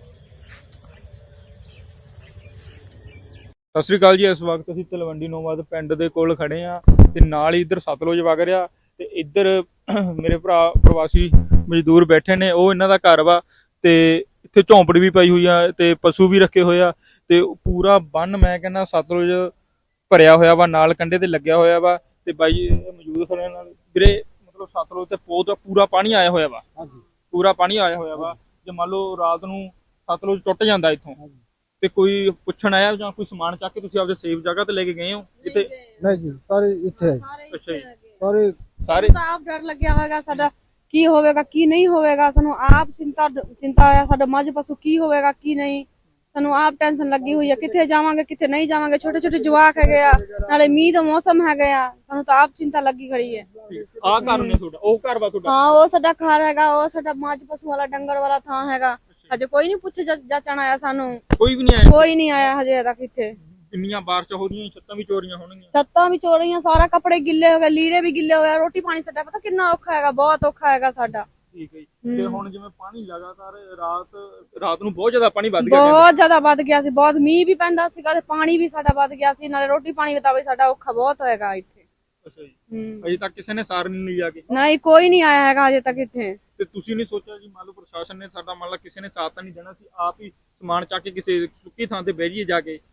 ਸਤਿ ਸ੍ਰੀ ਅਕਾਲ ਜੀ, ਇਸ ਵਕਤ ਅਸੀਂ ਤਲਵੰਡੀ ਨੋਵਾਦ ਪਿੰਡ ਦੇ ਕੋਲ ਖੜੇ ਆ, ਤੇ ਨਾਲ ਹੀ ਇੱਧਰ ਸਤਲੁਜ ਵਗ ਰਿਹਾ, ਤੇ ਇੱਧਰ ਮੇਰੇ ਭਰਾ ਪ੍ਰਵਾਸੀ ਮਜ਼ਦੂਰ ਬੈਠੇ ਨੇ, ਉਹ ਇਹਨਾਂ ਦਾ ਘਰ ਵਾ, ਤੇ ਇੱਥੇ ਝੌਂਪੜੀ ਵੀ ਪਾਈ ਹੋਈ ਆ, ਤੇ ਪਸ਼ੂ ਵੀ ਰੱਖੇ ਹੋਏ ਆ, ਤੇ ਪੂਰਾ ਬੰਨ ਮੈਂ ਕਹਿੰਦਾ ਸਤਲੁਜ ਭਰਿਆ ਹੋਇਆ ਵਾ, ਨਾਲ ਕੰਢੇ ਤੇ ਲੱਗਿਆ ਹੋਇਆ ਵਾ। ਤੇ ਬਾਈ ਮੌਜੂਦ ਖੜੇ ਨਾਲ ਵੀਰੇ, ਮਤਲਬ ਸਤਲੁਜ ਤੇ ਪੂਰਾ ਪਾਣੀ ਆਇਆ ਹੋਇਆ ਵਾ, ਪੂਰਾ ਪਾਣੀ ਆਇਆ ਹੋਇਆ ਵਾ। ਜੇ ਮੰਨ ਲਓ ਰਾਤ ਨੂੰ ਸਤਲੁਜ ਟੁੱਟ ਜਾਂਦਾ ਇੱਥੋਂ, ਤੇ ਕੋਈ ਪੁੱਛਣ ਆਇਆ ਜਾਂ ਕੋਈ ਸਮਾਨ ਚੱਕ ਕੇ ਤੁਸੀਂ ਆਪਦੇ ਸੇਫ ਜਗ੍ਹਾ ਤੇ ਲੈ ਕੇ ਗਏ ਹੋ ਕਿਤੇ?
नहीं जी सारे इतने
ਅੱਛਾ ਜੀ,
सारे
ਤਾਂ ਆਪ ਡਰ ਲੱਗਿਆ ਹੋਵੇਗਾ ਸਾਡਾ ਕੀ ਹੋਵੇਗਾ ਕੀ ਨਹੀਂ ਹੋਵੇਗਾ, ਸਾਨੂੰ ਆਪ ਚਿੰਤਾ ਆ, ਸਾਡਾ ਮੱਝ ਪਸ਼ੂ ਕੀ ਹੋਵੇਗਾ ਕੀ ਨਹੀਂ, ਸਾਨੂੰ ਆਪ ਟੈਨਸ਼ਨ ਲੱਗੀ ਹੋਈ ਹੈ, ਕਿੱਥੇ ਜਾਵਾਂਗੇ ਕਿੱਥੇ ਨਹੀਂ ਜਾਵਾਂਗੇ, ਛੋਟੇ ਛੋਟੇ ਜਵਾਕ ਹੈਗੇ ਆ, ਨਾਲੇ ਮੀਂਹ ਦਾ ਮੌਸਮ ਹੈਗਾ ਆ, ਸਾਨੂੰ ਤਾਂ ਆਪ ਚਿੰਤਾ ਲੱਗੀ ਖੜੀ ਹੈ।
ਆਹ ਘਰ ਨੇ ਤੁਹਾਡਾ? ਉਹ ਘਰ ਵਾ ਤੁਹਾਡਾ?
ਹਾਂ ਉਹ ਸਾਡਾ ਘਰ ਹੈਗਾ, ਉਹ ਸਾਡਾ ਮੱਝ ਪਸ਼ੂ ਵਾਲਾ ਡੰਗਰ ਵਾਲਾ ਥਾਂ ਹੈਗਾ। ਹਜੇ ਕੋਈ ਨਹੀਂ ਪੁੱਛੇ ਜਾਚਣ ਆਇਆ ਸਾਨੂੰ,
ਕੋਈ ਵੀ ਨਹੀਂ ਆਇਆ?
ਕੋਈ ਨਹੀਂ ਆਇਆ ਹਜੇ ਤੱਕ ਇੱਥੇ।
ਇੰਨੀਆਂ ਬਾਰਿਸ਼ਾਂ ਹੋ ਰਹੀਆਂ, ਛੱਤਾਂ ਵੀ ਚੋਰੀਆਂ ਹੋਣਗੀਆਂ।
ਛੱਤਾਂ ਵੀ ਚੋ ਰਹੀਆਂ, ਸਾਰਾ ਕੱਪੜੇ ਗਿੱਲੇ ਹੋ ਗਏ, ਲੀੜੇ ਵੀ ਗਿੱਲੇ ਹੋ ਗਏ, ਰੋਟੀ ਪਾਣੀ ਸਾਡਾ ਪਤਾ ਕਿੰਨਾ ਔਖਾ ਹੈਗਾ, ਬਹੁਤ ਔਖਾ ਹੈਗਾ ਸਾਡਾ।
ਠੀਕ ਹੈ ਜੀ। ਤੇ ਹੁਣ ਜਿਵੇਂ ਪਾਣੀ ਲਗਾਤਾਰ ਰਾਤ ਨੂੰ ਬਹੁਤ ਜ਼ਿਆਦਾ ਪਾਣੀ ਵੱਧ ਗਿਆ,
ਬਹੁਤ ਜ਼ਿਆਦਾ ਵੱਧ ਗਿਆ ਸੀ, ਬਹੁਤ ਮੀਂਹ ਵੀ ਪੈਂਦਾ ਸੀਗਾ ਤੇ ਪਾਣੀ ਵੀ ਸਾਡਾ ਵੱਧ ਗਿਆ ਸੀ, ਨਾਲੇ ਰੋਟੀ ਪਾਣੀ ਦਾ ਵੀ ਸਾਡਾ ਔਖਾ ਬਹੁਤ ਹੋਏਗਾ ਇੱਥੇ।
ਅੱਛਾ ਜੀ। ਅਜੇ ਤੱਕ ਕਿਸੇ ਨੇ ਸਾਰ ਨਹੀਂ ਲਈ ਆ ਕੇ?
ਨਹੀਂ, ਕੋਈ ਨਹੀਂ ਆਇਆ ਹੈਗਾ ਅਜੇ ਤੱਕ ਇੱਥੇ।
ਤੇ ਤੁਸੀਂ ਨਹੀਂ ਸੋਚਿਆ ਜੀ, ਮੰਨ ਲਓ ਪ੍ਰਸ਼ਾਸਨ ਨੇ ਸਾਡਾ, ਮੰਨ ਲਓ ਕਿਸੇ ਨੇ ਸਾਥ ਤਾਂ ਨਹੀਂ ਦੇਣਾ ਸੀ, ਆਪ ਹੀ ਸਮਾਨ ਚੱਕ ਕੇ ਕਿਸੇ ਸੁੱਕੀ ਥਾਂ ਤੇ ਬਹਿ ਜਾਈਏ ਜਾ ਕੇ?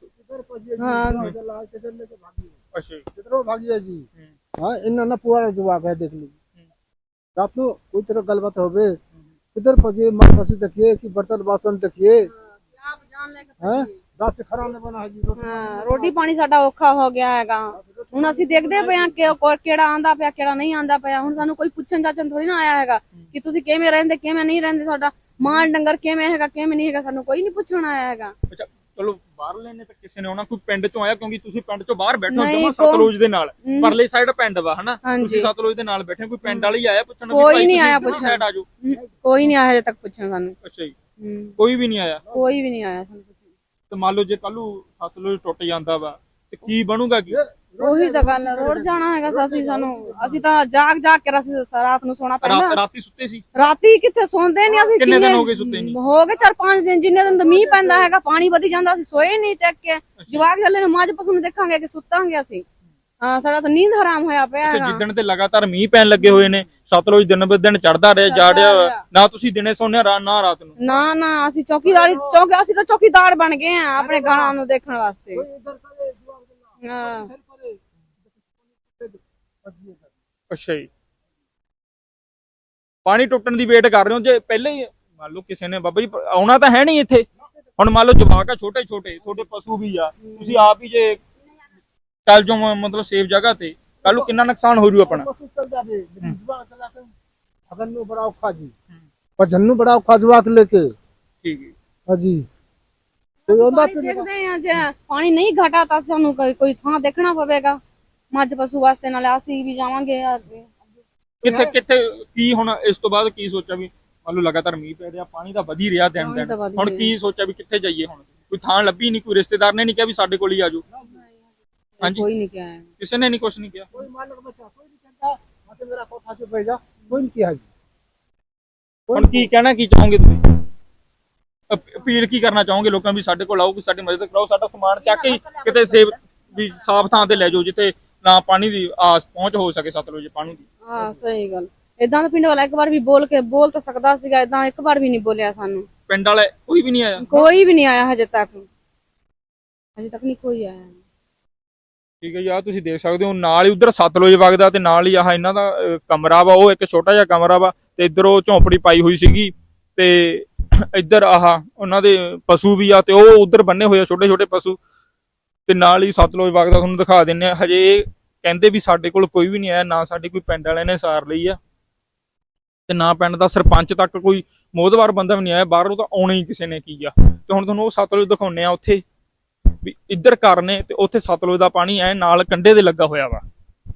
अच्छा
किधरों भागी है जी। हाँ इन्होंने पूरा जवाब है, देख लीजिए रात को कोई तरह गलबात हो गए, किधर पहुंचे माँ पशु देखिए कि बर्तन बासन देखिए, हैं रात से खाना नहीं बना है जी।
ਰੋਟੀ ਪਾਣੀ ਸਾਡਾ ਔਖਾ ਹੋ ਗਿਆ ਹੈਗਾ। ਹੁਣ ਅਸੀਂ ਦੇਖਦੇ ਪਏ ਆ ਕਿ ਕਿਹੜਾ ਆਂਦਾ ਪਿਆ ਕਿਹੜਾ ਨਹੀਂ ਆਂਦਾ ਪਿਆ। ਹੁਣ ਸਾਨੂੰ ਕੋਈ ਪੁੱਛਣ ਜਾਚਣ ਥੋੜੀ ਨਾ ਆਇਆ ਹੈਗਾ ਕਿ ਤੁਸੀਂ ਕਿਵੇਂ ਰਹਿੰਦੇ ਕਿਵੇਂ ਨਹੀਂ ਰਹਿੰਦੇ, ਸਾਡਾ ਮਾਲ ਡੰਗਰ ਕਿਵੇਂ ਹੈਗਾ ਕਿਵੇਂ ਨਹੀਂ ਹੈਗਾ, ਸਾਨੂੰ ਕੋਈ ਨਹੀਂ ਪੁੱਛਣ ਆਇਆ ਹੈਗਾ।
ਅੱਛਾ ਚਲੋ ਬਾਹਰਲੇ ਨੇ ਤਾਂ ਕਿਸੇ ਨੇ ਆਉਣਾ, ਕੋਈ ਪਿੰਡ ਚੋਂ ਆਇਆ? ਕਿਉਂਕਿ ਤੁਸੀਂ ਪਿੰਡ ਚੋਂ ਬਾਹਰ ਬੈਠੇ ਹੋ ਜਮਾ ਸਤਲੁਜ ਦੇ ਨਾਲ, ਪਰਲੇ ਸਾਈਡ ਪਿੰਡ ਵਾ ਹਨਾ, ਤੁਸੀਂ ਸਤਲੁਜ ਦੇ ਨਾਲ ਬੈਠੇ, ਕੋਈ ਪਿੰਡ ਵਾਲਾ ਹੀ ਆਇਆ ਪੁੱਛਣ?
ਕੋਈ ਨਹੀਂ ਆਇਆ ਪੁੱਛਣ,
ਸਾਈਡ ਆਜੋ।
ਕੋਈ ਨਹੀਂ ਆਇਆ ਹਜੇ ਤੱਕ ਪੁੱਛਣ ਸਾਨੂੰ।
ਅੱਛਾ ਜੀ, ਕੋਈ ਵੀ ਨਹੀਂ ਆਇਆ?
ਕੋਈ ਵੀ ਨਹੀਂ ਆਇਆ ਸਾਨੂੰ ਪੁੱਛਣ।
ਤੇ ਮੰਨ ਲਓ ਜੇ ਕੱਲ ਨੂੰ ਸਤਲੁਜ ਟੁੱਟ ਜਾਂਦਾ ਵਾ ਤੇ ਕੀ ਬਣੂਗਾ? ਕੀ
ਉਹੀ ਤਾਂ ਗੱਲ, ਰੋੜ ਜਾਣਾ ਹੈਗਾ ਅਸੀਂ ਤਾਂ ਜਾਗ ਕੇ ਰਾਤ ਨੂੰ ਸੋਣਾ ਪੈਂਦਾ।
ਰਾਤੀ ਸੁੱਤੇ ਸੀ?
ਰਾਤੀ ਕਿੱਥੇ ਸੌਂਦੇ ਨਹੀਂ ਅਸੀਂ।
ਕਿੰਨੇ ਦਿਨ ਹੋ ਗਏ ਸੁੱਤੇ ਨਹੀਂ?
ਹੋ ਗਏ 4-5 ਦਿਨ, ਜਿੰਨੇ ਦਿਨ ਮੀਂਹ ਪੈਂਦਾ ਹੈਗਾ ਪਾਣੀ ਵਧੀ ਜਾਂਦਾ, ਅਸੀਂ ਸੋਏ ਨਹੀਂ ਟਿਕ ਕੇ। ਜਵਾਕ ਜੱਲੇ ਨੂੰ ਮੱਝ ਪਸ਼ੂ ਨੂੰ ਦੇਖਾਂਗੇ ਕਿ ਸੁੱਤਾਂਗੇ ਅਸੀਂ? ਹਾਂ ਸਾਡਾ ਤਾਂ ਨੀਂਦ ਹਰਾਮ ਹੋਇਆ ਪਿਆ ਹੈਗਾ।
ਜਿੱਦਣ ਤੇ ਲਗਾਤਾਰ ਮੀਂਹ ਪੈਣ ਲੱਗੇ ਹੋਏ ਨੇ, ਸਤਲੁਜ ਦਿਨ ਬ ਦਿਨ ਚੜਦਾ ਰਿਹਾ ਜਾ ਰਿਹਾ, ਨਾ ਤੁਸੀਂ ਦਿਨੇ ਸੌਂਦੇ ਨਾ ਰਾਤ ਨੂੰ?
ਨਾ ਅਸੀਂ ਅਸੀਂ ਤਾਂ ਚੌਕੀਦਾਰ ਬਣ ਗਏ ਆ ਆਪਣੇ ਗਾਣਾ ਨੂੰ ਦੇਖਣ ਵਾਸਤੇ। ਹਾਂ
ਅੱਛਾ ਜੀ, ਪਾਣੀ ਟੁੱਟਣ ਦੀ ਵੇਟ ਕਰ ਰਹੇ ਹੋ? ਜੇ ਪਹਿਲੇ ਹੀ ਮੰਨ ਲਓ ਕਿਸੇ ਨੇ ਬਾਬਾ ਜੀ ਆਉਣਾ ਤਾਂ ਹੈ ਨਹੀਂ ਇੱਥੇ, ਹੁਣ ਮੰਨ ਲਓ ਜਵਾਕ ਆ ਛੋਟੇ ਤੁਹਾਡੇ ਪਸ਼ੂ ਵੀ ਆ, ਤੁਸੀਂ ਆਪ ਹੀ ਜੇ ਚੱਲ ਜਾਓ ਮਤਲਬ ਸੇਫ ਜਗ੍ਹਾ ਤੇ, ਕੱਲ ਨੂੰ ਕਿੰਨਾ ਨੁਕਸਾਨ ਹੋ ਜੂ ਆਪਣਾ?
बड़ा औखा जी, पर झन्नू बड़ा औखा जवाक लेके।
ठीक है
हाँ जी।
ਦੇਖਦੇ ਆ ਜੇ ਪਾਣੀ ਨਹੀਂ ਘਟਾ ਤਾਂ ਸਾਨੂੰ ਕੋਈ ਥਾਂ ਦੇਖਣਾ ਪਵੇਗਾ ਮੱਝ ਪਸ਼ੂ ਵਾਸਤੇ, ਨਾਲੇ ਅਸੀਂ ਵੀ ਜਾਵਾਂਗੇ ਅੱਗੇ।
ਕਿੱਥੇ ਕੀ ਹੁਣ ਇਸ ਤੋਂ ਬਾਅਦ ਕੀ ਸੋਚਿਆ ਵੀ ਮੰਨ ਲਓ ਲਗਾਤਾਰ ਮੀਂਹ ਪੈ ਰਿਹਾ, ਪਾਣੀ ਤਾਂ ਵਧੀ ਰਿਹਾ ਦਿਨ ਦਿਨ, ਹੁਣ ਕੀ ਸੋਚਿਆ ਵੀ ਕਿੱਥੇ ਜਾਈਏ? ਹੁਣ ਕੋਈ ਥਾਂ ਲੱਭੀ ਨਹੀਂ, ਕੋਈ ਰਿਸ਼ਤੇਦਾਰ ਨੇ ਨਹੀਂ ਕਿਹਾ ਵੀ ਸਾਡੇ ਕੋਲ ਹੀ ਆਜੋ? ਹਾਂਜੀ,
ਕੋਈ ਨਹੀਂ ਕਿਹਾ,
ਕਿਸੇ ਨੇ ਨਹੀਂ ਕੁਛ ਨਹੀਂ ਕਿਹਾ?
कोई मालक बच्चा कोई नहीं कहता मत मेरा कोठा से भेजा, कोई नहीं किया जी।
ਹੁਣ ਕੀ ਕਹਿਣਾ ਕੀ ਚਾਹੋਗੇ ਤੁਸੀਂ? ਅਪੀਲ ਕੀ ਕਰਨਾ ਚਾਹੋਗੇ ਲੋਕਾਂ ਵੀ ਸਾਡੇ ਕੋਲ ਆਓ, ਕਿ ਸਾਡੀ ਮਦਦ ਕਰਾਓ, ਸਾਡਾ ਸਮਾਨ ਚੱਕ ਕੇ ਕਿਤੇ ਸੇਫ ਵੀ ਸਾਫ਼ ਥਾਂ ਤੇ ਲੈ ਜਾਓ ਜਿੱਥੇ ਨਾ ਪਾਣੀ ਦੀ ਆਸ ਪਹੁੰਚ ਹੋ ਸਕੇ, ਸਤਲੁਜ ਪਾਣੀ ਦੀ।
ਹਾਂ ਸਹੀ ਗੱਲ। ਇਦਾਂ ਤਾਂ ਪਿੰਡ ਵਾਲਾ ਇੱਕ ਵਾਰ ਵੀ ਬੋਲ ਤਾਂ ਸਕਦਾ ਸੀਗਾ, ਇਦਾਂ ਇੱਕ ਵਾਰ ਵੀ ਨਹੀਂ ਬੋਲਿਆ ਸਾਨੂੰ।
ਪਿੰਡ ਵਾਲੇ ਕੋਈ ਵੀ ਨਹੀਂ ਆਇਆ?
ਕੋਈ ਵੀ ਨਹੀਂ ਆਇਆ ਹਜੇ ਤੱਕ ਨਹੀਂ ਕੋਈ ਆਇਆ।
ਠੀਕ ਹੈ ਜੀ, ਆਹ ਤੁਸੀਂ ਦੇਖ ਸਕਦੇ ਹੋ ਨਾਲ ਹੀ ਉਧਰ ਸਤਲੁਜ ਵਗਦਾ ਤੇ ਨਾਲ ਹੀ ਆਹ ਇਹਨਾਂ ਦਾ ਕਮਰਾ ਵਾ, ਉਹ ਇੱਕ ਛੋਟਾ ਜਿਹਾ ਕਮਰਾ ਵਾ, ਤੇ ਇੱਧਰ ਉਹ ਝੌਂਪੜੀ ਪਾਈ ਹੋਈ ਸੀਗੀ, ਤੇ ਇੱਧਰ ਆਹ ਉਹਨਾਂ ਦੇ ਪਸ਼ੂ ਵੀ ਆ, ਤੇ ਉਹ ਉਧਰ ਬੰਨੇ ਹੋਏ ਆ ਛੋਟੇ ਪਸ਼ੂ, ਤੇ ਨਾਲ ਹੀ ਸਤਲੁਜ ਵਗਦਾ ਤੁਹਾਨੂੰ ਦਿਖਾ ਦਿੰਨੇ ਆ। ਹਜੇ ਕਹਿੰਦੇ ਵੀ ਸਾਡੇ ਕੋਲ ਕੋਈ ਵੀ ਨਹੀਂ ਆਇਆ, ਨਾ ਸਾਡੇ ਕੋਈ ਪਿੰਡ ਵਾਲਿਆਂ ਨੇ ਸਾਰ ਲਈ ਆ, ਤੇ ਨਾ ਪਿੰਡ ਦਾ ਸਰਪੰਚ ਤੱਕ ਕੋਈ ਮੋਹਤਵਾਰ ਬੰਦਾ ਵੀ ਨਹੀਂ ਆਇਆ, ਬਾਹਰੋਂ ਤਾਂ ਆਉਣਾ ਹੀ ਕਿਸੇ ਨੇ ਕੀ ਆ। ਤੇ ਹੁਣ ਤੁਹਾਨੂੰ ਉਹ ਸਤਲੁਜ ਦਿਖਾਉਣੇ ਆ, ਉੱਥੇ ਵੀ ਇੱਧਰ ਘਰ ਨੇ ਤੇ ਉੱਥੇ ਸਤਲੁਜ ਦਾ ਪਾਣੀ ਐ ਨਾਲ ਕੰਢੇ ਦੇ ਲੱਗਾ ਹੋਇਆ ਵਾ।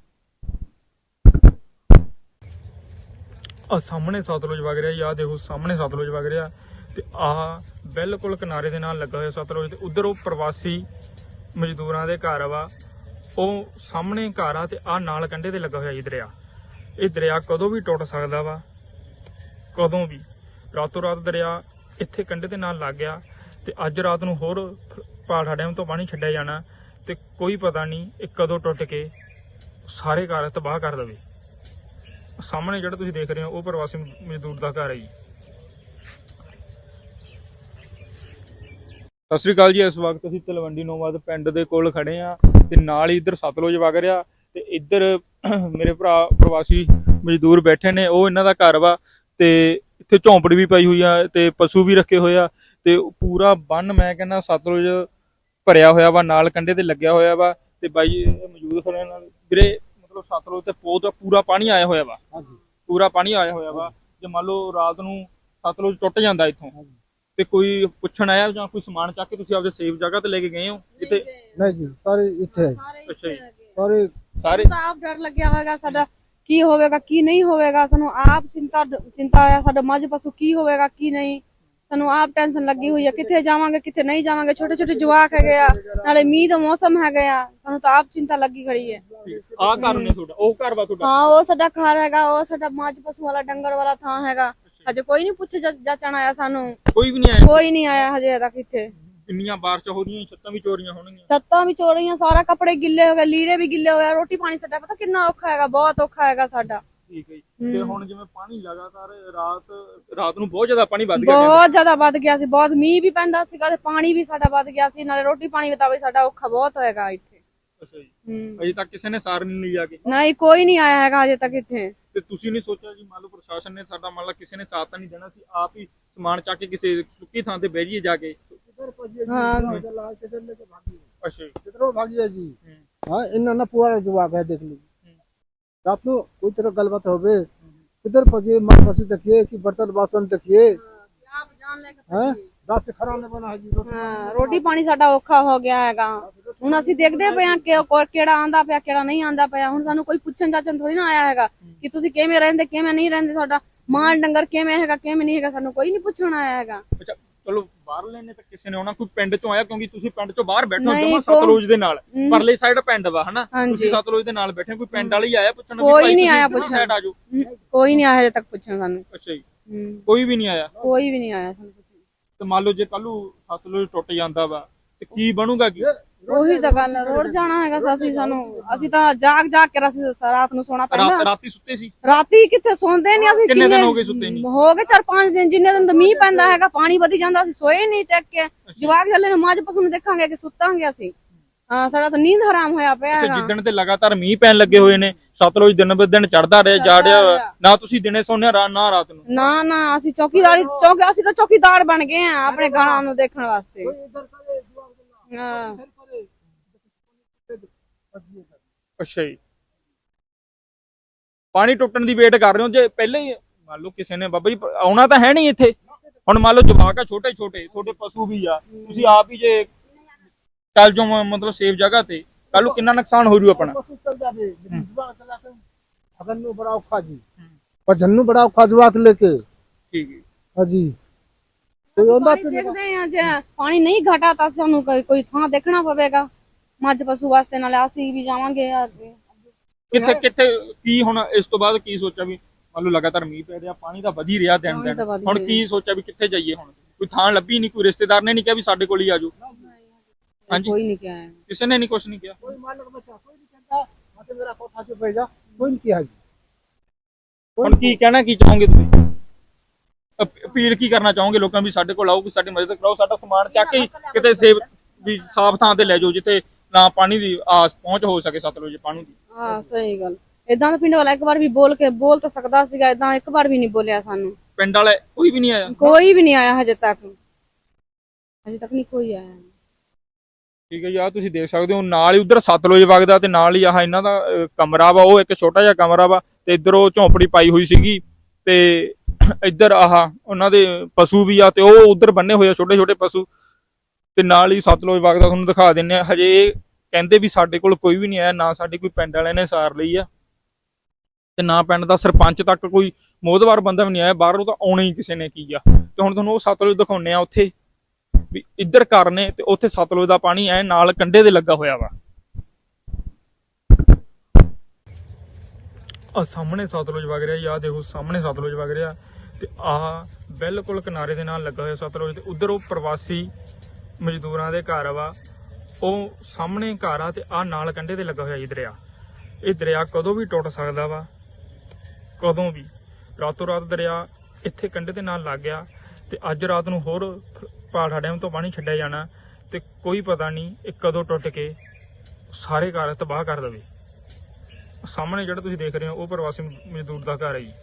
ਆ ਸਾਹਮਣੇ ਸਤਲੁਜ ਵਗ ਰਿਹਾ, ਆਹ ਦੇਖੋ ਸਾਹਮਣੇ ਸਤਲੁਜ ਵਗ ਰਿਹਾ, ਤੇ ਆਹ ਬਿਲਕੁਲ ਕਿਨਾਰੇ ਦੇ ਨਾਲ ਲੱਗਾ ਹੋਇਆ ਸਤਲੁਜ, ਤੇ ਉਧਰ ਉਹ ਪ੍ਰਵਾਸੀ ਮਜ਼ਦੂਰਾਂ ਦੇ ਘਰ ਵਾ, ਉਹ ਸਾਹਮਣੇ ਘਰ ਆ, ਤੇ ਆਹ ਨਾਲ ਕੰਢੇ ਤੇ ਲੱਗਾ ਹੋਇਆ ਇਹ ਦਰਿਆ। ਇਹ ਦਰਿਆ ਕਦੋਂ ਵੀ ਟੁੱਟ ਸਕਦਾ ਵਾ, ਕਦੋਂ ਵੀ। ਰਾਤੋਂ ਰਾਤ ਦਰਿਆ ਇੱਥੇ ਕੰਢੇ ਦੇ ਨਾਲ ਲੱਗ ਗਿਆ, ਤੇ ਅੱਜ ਰਾਤ ਨੂੰ ਹੋਰ ਭਾਲੜਾ ਡੈਮ ਤੋਂ ਪਾਣੀ ਛੱਡਿਆ ਜਾਣਾ, ਤੇ ਕੋਈ ਪਤਾ ਨਹੀਂ ਇਹ ਕਦੋਂ ਟੁੱਟ ਕੇ ਸਾਰੇ ਘਰ ਤਬਾਹ ਕਰ ਦੇਵੇ। ਸਾਹਮਣੇ ਜਿਹੜਾ ਤੁਸੀਂ ਦੇਖ ਰਹੇ ਹੋ ਉਹ ਪ੍ਰਵਾਸੀ ਮਜ਼ਦੂਰ ਦਾ ਘਰ ਹੈ ਜੀ। ਸਤਿ ਸ੍ਰੀ ਅਕਾਲ ਜੀ, ਇਸ ਵਕਤ ਅਸੀਂ ਤਲਵੰਡੀ ਨੌਵਾਦ ਪਿੰਡ ਦੇ ਕੋਲ ਖੜੇ ਆ, ਤੇ ਨਾਲ ਹੀ ਇੱਧਰ ਸਤਲੁਜ ਵਗ ਰਿਹਾ, ਤੇ ਇੱਧਰ ਮੇਰੇ ਭਰਾ ਪ੍ਰਵਾਸੀ ਮਜ਼ਦੂਰ ਬੈਠੇ ਨੇ, ਉਹ ਇਹਨਾਂ ਦਾ ਘਰ ਵਾ, ਤੇ ਇੱਥੇ ਝੌਂਪੜੀ ਵੀ ਪਾਈ ਹੋਈ ਆ, ਤੇ ਪਸ਼ੂ ਵੀ ਰੱਖੇ ਹੋਏ ਆ, ਤੇ ਪੂਰਾ ਬੰਨ ਮੈਂ ਕਹਿੰਦਾ ਸਤਲੁਜ ਭਰਿਆ ਹੋਇਆ ਵਾ, ਨਾਲ ਕੰਢੇ ਤੇ ਲੱਗਿਆ ਹੋਇਆ ਵਾ। ਤੇ ਬਾਈ ਮੌਜੂਦ ਖੜੇ ਨਾਲ ਵੀਰੇ, ਮਤਲਬ ਸਤਲੁਜ ਤੇ ਪੂਰਾ ਪਾਣੀ ਆਇਆ ਹੋਇਆ ਵਾ? ਹਾਂਜੀ, ਪੂਰਾ ਪਾਣੀ ਆਇਆ ਹੋਇਆ ਵਾ। ਜੇ ਮੰਨ ਲਓ ਰਾਤ ਨੂੰ ਸਤਲੁਜ ਟੁੱਟ ਜਾਂਦਾ ਇੱਥੋਂ, ਤੇ ਕੋਈ ਪੁੱਛਣ ਆਇਆ ਜਾਂ ਕੋਈ ਸਮਾਨ ਚੱਕ ਕੇ ਤੁਸੀਂ ਆਪਦੇ ਸੇਫ ਜਗ੍ਹਾ ਤੇ ਲੈ ਕੇ ਗਏ ਹੋ ਕਿਤੇ?
ਨਹੀਂ ਜੀ, ਸਾਰੇ ਇੱਥੇ ਹੈ।
ਅੱਛਾ ਜੀ,
ਸਾਰੇ ਤਾਂ ਆਪ ਡਰ ਲੱਗਿਆ ਹੋਵੇਗਾ ਸਾਡਾ ਕੀ ਹੋਵੇਗਾ ਕੀ ਨਹੀਂ ਹੋਵੇਗਾ, ਸਾਨੂੰ ਆਪ ਚਿੰਤਾ ਆ, ਸਾਡਾ ਮੱਝ ਪਸ਼ੂ ਕੀ ਹੋਵੇਗਾ ਕੀ ਨਹੀਂ, ਸਾਨੂੰ ਆਪ ਟੈਨਸ਼ਨ ਲੱਗੀ ਹੋਈ ਹੈ ਕਿੱਥੇ ਜਾਵਾਂਗੇ ਕਿੱਥੇ ਨਹੀਂ ਜਾਵਾਂਗੇ ਛੋਟੇ ਛੋਟੇ ਜਵਾਕ ਹੈਗੇ ਆ ਨਾਲੇ ਮੀਂਹ ਦਾ ਮੌਸਮ ਹੈਗਾ ਆ ਸਾਨੂੰ ਤਾਂ ਆਪ ਚਿੰਤਾ ਲੱਗੀ ਖੜੀ ਹੈ
ਆਹ ਘਰ ਨੇ ਤੁਹਾਡਾ ਉਹ ਘਰ ਵਾ ਤੁਹਾਡਾ
ਹਾਂ ਉਹ ਸਾਡਾ ਘਰ ਹੈਗਾ ਉਹ ਸਾਡਾ ਮੱਝ ਪਸ਼ੂ ਵਾਲਾ ਡੰਗਰ ਵਾਲਾ ਥਾਂ ਹੈਗਾ ਹਜੇ ਕੋਈ ਨਹੀਂ ਪੁੱਛੇ ਜਾਚਣ ਆਇਆ ਸਾਨੂੰ
ਕੋਈ ਵੀ ਨਹੀਂ ਆਇਆ
ਕੋਈ ਨਹੀਂ ਆਇਆ ਹਜੇ ਤੱਕ ਇੱਥੇ
ਇੰਨੀਆਂ ਬਾਰਿਸ਼ਾਂ ਹੋ ਰਹੀਆਂ ਛੱਤਾਂ ਵੀ ਚੋਰੀਆਂ ਹੋਣਗੀਆਂ
ਛੱਤਾਂ ਵੀ ਚੋਰੀਆਂ ਸਾਰਾ ਕੱਪੜੇ ਗਿੱਲੇ ਹੋ ਗਏ ਲੀੜੇ ਵੀ ਗਿੱਲੇ ਹੋ ਗਏ ਰੋਟੀ ਪਾਣੀ ਸਾਡਾ ਪਤਾ ਕਿੰਨਾ ਔਖਾ ਹੈਗਾ ਬਹੁਤ ਔਖਾ ਹੈਗਾ ਸਾਡਾ
ਠੀਕ ਹੈ ਜੀ ਤੇ ਹੁਣ ਜਿਵੇਂ ਪਾਣੀ ਲਗਾਤਾਰ ਰਾਤ ਨੂੰ ਬਹੁਤ ਜ਼ਿਆਦਾ ਪਾਣੀ ਵੱਧ ਗਿਆ
ਬਹੁਤ ਜ਼ਿਆਦਾ ਵੱਧ ਗਿਆ ਸੀ ਬਹੁਤ ਮੀਂਹ ਵੀ ਪੈਂਦਾ ਸੀਗਾ ਤੇ ਪਾਣੀ ਵੀ ਸਾਡਾ ਵੱਧ ਗਿਆ ਸੀ ਨਾਲੇ ਰੋਟੀ ਪਾਣੀ ਵੀ ਸਾਡਾ ਔਖਾ ਬਹੁਤ ਹੋਏਗਾ ਇੱਥੇ
ਅੱਛਾ ਜੀ ਅਜੇ ਤੱਕ ਕਿਸੇ ਨੇ ਸਾਰ ਨਹੀਂ ਲਿਆ ਕੇ
ਨਹੀਂ ਕੋਈ ਨਹੀਂ ਆਇਆ ਹੈਗਾ ਅਜੇ ਤੱਕ ਇੱਥੇ
ਤੇ ਤੁਸੀਂ ਨਹੀਂ ਸੋਚਿਆ ਜੀ ਮੰਨ ਲਓ ਪ੍ਰਸ਼ਾਸਨ ਨੇ ਸਾਡਾ ਮੰਨ ਲਾ ਕਿਸੇ ਨੇ ਸਾਥ ਤਾਂ ਨਹੀਂ ਦੇਣਾ ਸੀ ਆਪ ਹੀ ਸਮਾਨ ਚੱਕ ਕੇ ਕਿਸੇ ਸੁੱਕੀ ਥਾਂ ਤੇ ਬਹਿ ਜਾਈਏ ਜਾ ਕੇ
हाँ
ਅੱਛਾ ਜੀ
किधरों भागिए जी हाँ इन्ना पूरा जवाब है देख लीजिए रात को कोई तरह गलबात हो गए किधर पहुंचे माँ पशु देखिए कि बर्तन बासन देखिए रात से खराब नहीं बना है जी
ਰੋਟੀ ਪਾਣੀ ਸਾਡਾ ਔਖਾ ਹੋ ਗਿਆ ਹੈਗਾ ਹੁਣ ਅਸੀਂ ਦੇਖਦੇ ਪਏ ਆ ਕਿ ਕਿਹੜਾ ਆਂਦਾ ਪਿਆ ਕਿਹੜਾ ਨਹੀਂ ਆਂਦਾ ਪਿਆ ਹੁਣ ਸਾਨੂੰ ਕੋਈ ਪੁੱਛਣ ਜਾਚਣ ਥੋੜੀ ਨਾ ਆਇਆ ਹੈਗਾ ਕਿ ਤੁਸੀਂ ਕਿਵੇਂ ਰਹਿੰਦੇ ਕਿਵੇਂ ਨਹੀਂ ਰਹਿੰਦੇ ਤੁਹਾਡਾ ਮਾਲ ਡੰਗਰ ਕਿਵੇਂ ਹੈਗਾ ਕਿਵੇਂ ਨਹੀਂ ਹੈਗਾ ਸਾਨੂੰ ਕੋਈ ਨਹੀਂ ਪੁੱਛਣ ਆਇਆ ਹੈਗਾ
ਅੱਛਾ ਚਲੋ ਬਾਹਰ ਲੈਣੇ ਤਾਂ ਕਿਸੇ ਨੇ ਆਉਣਾ ਕੋਈ ਪਿੰਡ ਚੋਂ ਆਇਆ ਕਿਉਂਕਿ ਤੁਸੀਂ ਪਿੰਡ ਚੋਂ ਬਾਹਰ ਬੈਠੇ ਹੋ
ਨਹੀਂ,
ਜਮਾ ਸਤਲੁਜ ਦੇ ਨਾਲ ਪਰਲੇ ਸਾਈਡ ਪਿੰਡ ਵਾ ਹਨਾ
ਹਾਂਜੀ।
ਤੁਸੀਂ ਸਤਲੁਜ ਦੇ ਨਾਲ ਬੈਠੇ ਹੋ, ਕੋਈ ਪਿੰਡ ਵਾਲਾ ਹੀ ਆਇਆ ਪੁੱਛਣ ਵੀ
ਕੋਈ
ਭਾਈ
ਨਹੀਂ
ਤੁਸੀਂ
ਆਇਆ
ਕਿਹੜੀ
ਪੁੱਛਣ।
side ਆ ਜਾਓ
ਕੋਈ ਨਹੀਂ ਆਇਆ ਹਜੇ ਤੱਕ ਪੁੱਛਣ ਸਾਨੂੰ
ਅੱਛਾ ਜੀ ਕੋਈ ਵੀ ਨਹੀਂ ਆਇਆ
ਕੋਈ ਵੀ ਨਹੀਂ ਆਇਆ ਸਾਨੂੰ ਪੁੱਛਣ
ਤੇ ਮੰਨ ਲਓ ਜੇ ਕੱਲ ਨੂੰ ਸਤਲੁਜ ਟੁੱਟ ਜਾਂਦਾ ਵਾ ਤੇ ਕੀ ਬਣੂਗਾ ਕੀ
ਉਹੀ ਤਾਂ ਗੱਲ ਹੈ, ਰੋਡ ਜਾਣਾ ਹੈਗਾ ਅਸੀਂ ਤਾਂ ਜਾਗ ਕੇ ਰਾਤ ਨੂੰ ਸੋਣਾ ਪੈਂਦਾ
ਰਾਤੀ ਸੁੱਤੇ ਸੀ
ਰਾਤੀ ਕਿੱਥੇ ਸੌਂਦੇ ਨਹੀਂ ਅਸੀਂ
ਕਿੰਨੇ ਦਿਨ ਹੋ ਗਏ ਸੁੱਤੇ ਨਹੀਂ
ਹੋ ਗਏ 4-5 ਦਿਨ ਜਿੰਨੇ ਦਿਨ ਤਾਂ ਮੀਂਹ ਪੈਂਦਾ ਹੈਗਾ ਪਾਣੀ ਵਧੀ ਜਾਂਦਾ ਅਸੀਂ ਸੋਏ ਨਹੀਂ ਟੱਕ ਕੇ ਜਵਾਕ ਹਲੇ ਨੂੰ ਮੱਝ ਪਸ਼ੂ ਨੂੰ ਦੇਖਾਂਗੇ ਕਿ ਸੁੱਤਾਂਗੇ ਅਸੀਂ ਹਾਂ ਸਾਡਾ ਤਾਂ ਨੀਂਦ ਹਰਾਮ ਹੋਇਆ ਪਿਆ
ਅੱਛਾ
ਹੈਗਾ
ਜਿੱਦਣ ਤੇ ਲਗਾਤਾਰ ਮੀਂਹ ਪੈਣ ਲੱਗੇ ਹੋਏ ਨੇ ਸਤਲੁਜ ਦਿਨ ਬ ਦਿਨ ਚੜਦਾ ਰਿਹਾ ਜਾ ਰਿਹਾ ਨਾ ਤੁਸੀਂ ਦਿਨੇ ਸੌਂਦੇ ਨਾ ਰਾਤ ਨੂੰ
ਨਾ ਅਸੀਂ ਅਸੀਂ ਤਾਂ ਚੌਕੀਦਾਰ ਬਣ ਗਏ ਆ ਆਪਣੇ ਗਾਣਾ ਨੂੰ ਦੇਖਣ ਵਾਸਤੇ ਹਾਂ
ਅੱਛਾ ਜੀ ਪਾਣੀ ਟੁੱਟਣ ਦੀ ਵੇਟ ਕਰ ਰਹੇ ਹੋ ਜੇ ਪਹਿਲੇ ਹੀ ਮੰਨ ਲਓ ਕਿਸੇ ਨੇ ਬਾਬਾ ਜੀ ਆਉਣਾ ਤਾਂ ਹੈ ਨਹੀਂ ਇੱਥੇ ਹੁਣ ਮੰਨ ਲਓ ਜਵਾਕ ਆ ਛੋਟੇ ਛੋਟੇ ਤੁਹਾਡੇ ਪਸ਼ੂ ਵੀ ਆ ਤੁਸੀਂ ਆਪ ਹੀ ਜੇ ਚੱਲ ਜਾਓ ਮਤਲਬ ਸੇਫ ਜਗ੍ਹਾ ਤੇ ਕੱਲ ਨੂੰ ਕਿੰਨਾ ਨੁਕਸਾਨ ਹੋ ਜੂ ਆਪਣਾ
पशु चल जाते अगन में बड़ा औखा जी पछन में बड़ा औखा जवाक लेके
ਠੀਕ ਹੈ
हाँ जी कोई आंदा
ਦੇਖਦੇ ਆ ਜੇ ਪਾਣੀ ਨਹੀਂ ਘਟਾ ਤਾਂ ਸਾਨੂੰ ਕੋਈ ਥਾਂ ਦੇਖਣਾ ਪਵੇਗਾ ਮੱਝ ਪਸ਼ੂ ਵਾਸਤੇ ਨਾਲੇ ਅਸੀਂ ਵੀ ਜਾਵਾਂਗੇ
ਕਿੱਥੇ ਕਿੱਥੇ ਕੀ ਹੁਣ ਇਸ ਤੋਂ ਬਾਅਦ ਕੀ ਸੋਚਿਆ ਵੀ ਮੰਨ ਲਓ ਲਗਾਤਾਰ ਮੀਂਹ ਪੈ ਰਿਹਾ ਪਾਣੀ ਤਾਂ ਵਧੀ ਰਿਹਾ ਦਿਨ
ਪਾਣੀ
ਦਿਨ
ਤਾਂ ਵਧੀ
ਹੁਣ
ਰਿਹਾ।
ਕੀ ਸੋਚਿਆ ਵੀ ਕਿੱਥੇ ਜਾਈਏ ਹੁਣ ਕੋਈ ਥਾਂ ਲੱਭੀ ਨਹੀਂ ਕੋਈ ਰਿਸ਼ਤੇਦਾਰ ਨੇ ਨਹੀਂ ਕਿਹਾ ਵੀ ਸਾਡੇ ਕੋਲ ਹੀ ਆਜੋ ਹਾਂਜੀ
ਕੋਈ ਨਹੀਂ ਕਿਹਾ
ਕਿਸੇ ਨੇ ਨਹੀਂ ਕੁਝ ਨਹੀਂ ਕਿਹਾ
कोई मालक बच्चा कोई नहीं कहता मत मेरा कोठा से भेजा कोई नहीं किया जी
ਹੁਣ ਕੀ ਕਹਿਣਾ ਕੀ ਚਾਹੋਗੇ ਤੁਸੀਂ ਅਪੀਲ ਕੀ ਕਰਨਾ ਚਾਹੋਗੇ ਲੋਕਾਂ ਵੀ ਸਾਡੇ ਕੋਲ ਆਓ ਕਿ ਸਾਡੀ ਮਦਦ ਕਰਾਓ ਸਾਡਾ ਸਮਾਨ ਚੱਕ ਕੇ ਕਿਤੇ ਸੇਫ ਵੀ ਸਾਫ਼ ਥਾਂ ਤੇ ਲੈ ਜਾਓ ਜਿੱਥੇ ਨਾ ਪਾਣੀ ਦੀ ਆਸ ਪਹੁੰਚ ਹੋ ਸਕੇ ਸਤਲੁਜ ਪਾਣੀ ਦੀ
ਹਾਂ ਸਹੀ ਗੱਲ ਇਦਾਂ ਤਾਂ ਪਿੰਡ ਵਾਲਾ ਇੱਕ ਵਾਰ ਵੀ ਬੋਲ ਤਾਂ ਸਕਦਾ ਸੀਗਾ ਇਦਾਂ ਇੱਕ ਵਾਰ ਵੀ ਨਹੀਂ ਬੋਲਿਆ ਸਾਨੂੰ
ਪਿੰਡ ਵਾਲੇ ਕੋਈ ਵੀ ਨਹੀਂ ਆਇਆ
ਕੋਈ ਵੀ ਨਹੀਂ ਆਇਆ ਹਜੇ ਤੱਕ ਨਹੀਂ ਕੋਈ ਆਇਆ
ਠੀਕ ਹੈ ਜੀ ਆਹ ਤੁਸੀਂ ਦੇਖ ਸਕਦੇ ਹੋ ਨਾਲ ਹੀ ਉਧਰ ਸਤਲੁਜ ਵਗਦਾ ਤੇ ਨਾਲ ਹੀ ਆਹ ਇਹਨਾਂ ਦਾ ਕਮਰਾ ਵਾ ਉਹ ਇੱਕ ਛੋਟਾ ਜਿਹਾ ਕਮਰਾ ਵਾ ਤੇ ਇੱਧਰ ਉਹ ਝੌਂਪੜੀ ਪਾਈ ਹੋਈ ਸੀਗੀ ਤੇ ਇੱਧਰ ਆਹ ਉਹਨਾਂ ਦੇ ਪਸ਼ੂ ਵੀ ਆ ਤੇ ਉਹ ਉਧਰ ਬੰਨੇ ਹੋਏ ਆ ਛੋਟੇ ਛੋਟੇ ਪਸ਼ੂ ਤੇ ਨਾਲ ਹੀ ਸਤਲੁਜ ਵਗਦਾ ਤੁਹਾਨੂੰ ਦਿਖਾ ਦਿੰਨੇ ਆ ਹਜੇ ਕਹਿੰਦੇ ਵੀ ਸਾਡੇ ਕੋਲ ਕੋਈ ਵੀ ਨਹੀਂ ਆਇਆ ਨਾ ਸਾਡੀ ਕੋਈ ਪਿੰਡ ਵਾਲਿਆਂ ਨੇ ਸਾਰ ਲਈ ਆ ਤੇ ਨਾ ਪਿੰਡ ਦਾ ਸਰਪੰਚ ਤੱਕ ਕੋਈ ਮੋਹਦਵਾਰ ਬੰਦਾ ਵੀ ਨਹੀਂ ਆਇਆ ਬਾਹਰੋਂ ਤਾਂ ਆਉਣਾ ਹੀ ਕਿਸੇ ਨੇ ਕੀ ਆ ਤੇ ਹੁਣ ਤੁਹਾਨੂੰ ਉਹ ਸਤਲੁਜ ਦਿਖਾਉਣੇ ਆ ਉੱਥੇ ਵੀ ਇੱਧਰ ਘਰ ਨੇ ਤੇ ਉੱਥੇ ਸਤਲੁਜ ਦਾ ਪਾਣੀ ਐ ਨਾਲ ਕੰਢੇ ਦੇ ਲੱਗਾ ਹੋਇਆ ਵਾ ਆ ਸਾਹਮਣੇ ਸਤਲੁਜ ਵਗ ਰਿਹਾ ਯਾ ਦੇਖੋ ਸਾਹਮਣੇ ਸਤਲੁਜ ਵਗ ਰਿਹਾ ਤੇ ਆਹ ਬਿਲਕੁਲ ਕਿਨਾਰੇ ਦੇ ਨਾਲ ਲੱਗਾ ਹੋਇਆ ਸਤਲੁਜ ਤੇ ਉਧਰ ਉਹ ਪ੍ਰਵਾਸੀ ਮਜ਼ਦੂਰਾਂ ਦੇ ਘਰ ਵਾ ਉਹ ਸਾਹਮਣੇ ਘਰ ਆ ਤੇ ਆਹ ਨਾਲ ਕੰਢੇ ਤੇ ਲੱਗਾ ਹੋਇਆ ਜੀ ਦਰਿਆ ਇਹ ਦਰਿਆ ਕਦੋਂ ਵੀ ਟੁੱਟ ਸਕਦਾ ਵਾ ਕਦੋਂ ਵੀ ਰਾਤੋਂ ਰਾਤ ਦਰਿਆ ਇੱਥੇ ਕੰਢੇ ਦੇ ਨਾਲ ਲੱਗ ਗਿਆ ਤੇ ਅੱਜ ਰਾਤ ਨੂੰ ਹੋਰ ਪਾਲਠਾ ਡੈਮ ਤੋਂ ਪਾਣੀ ਛੱਡਿਆ ਜਾਣਾ ਤੇ ਕੋਈ ਪਤਾ ਨਹੀਂ ਇਹ ਕਦੋਂ ਟੁੱਟ ਕੇ ਸਾਰੇ ਘਰ ਤਬਾਹ ਕਰ ਦੇਵੇ ਸਾਹਮਣੇ ਜਿਹੜਾ ਤੁਸੀਂ ਦੇਖ ਰਹੇ ਹੋ ਉਹ ਪ੍ਰਵਾਸੀ ਮਜ਼ਦੂਰ ਦਾ ਘਰ ਹੈ ਜੀ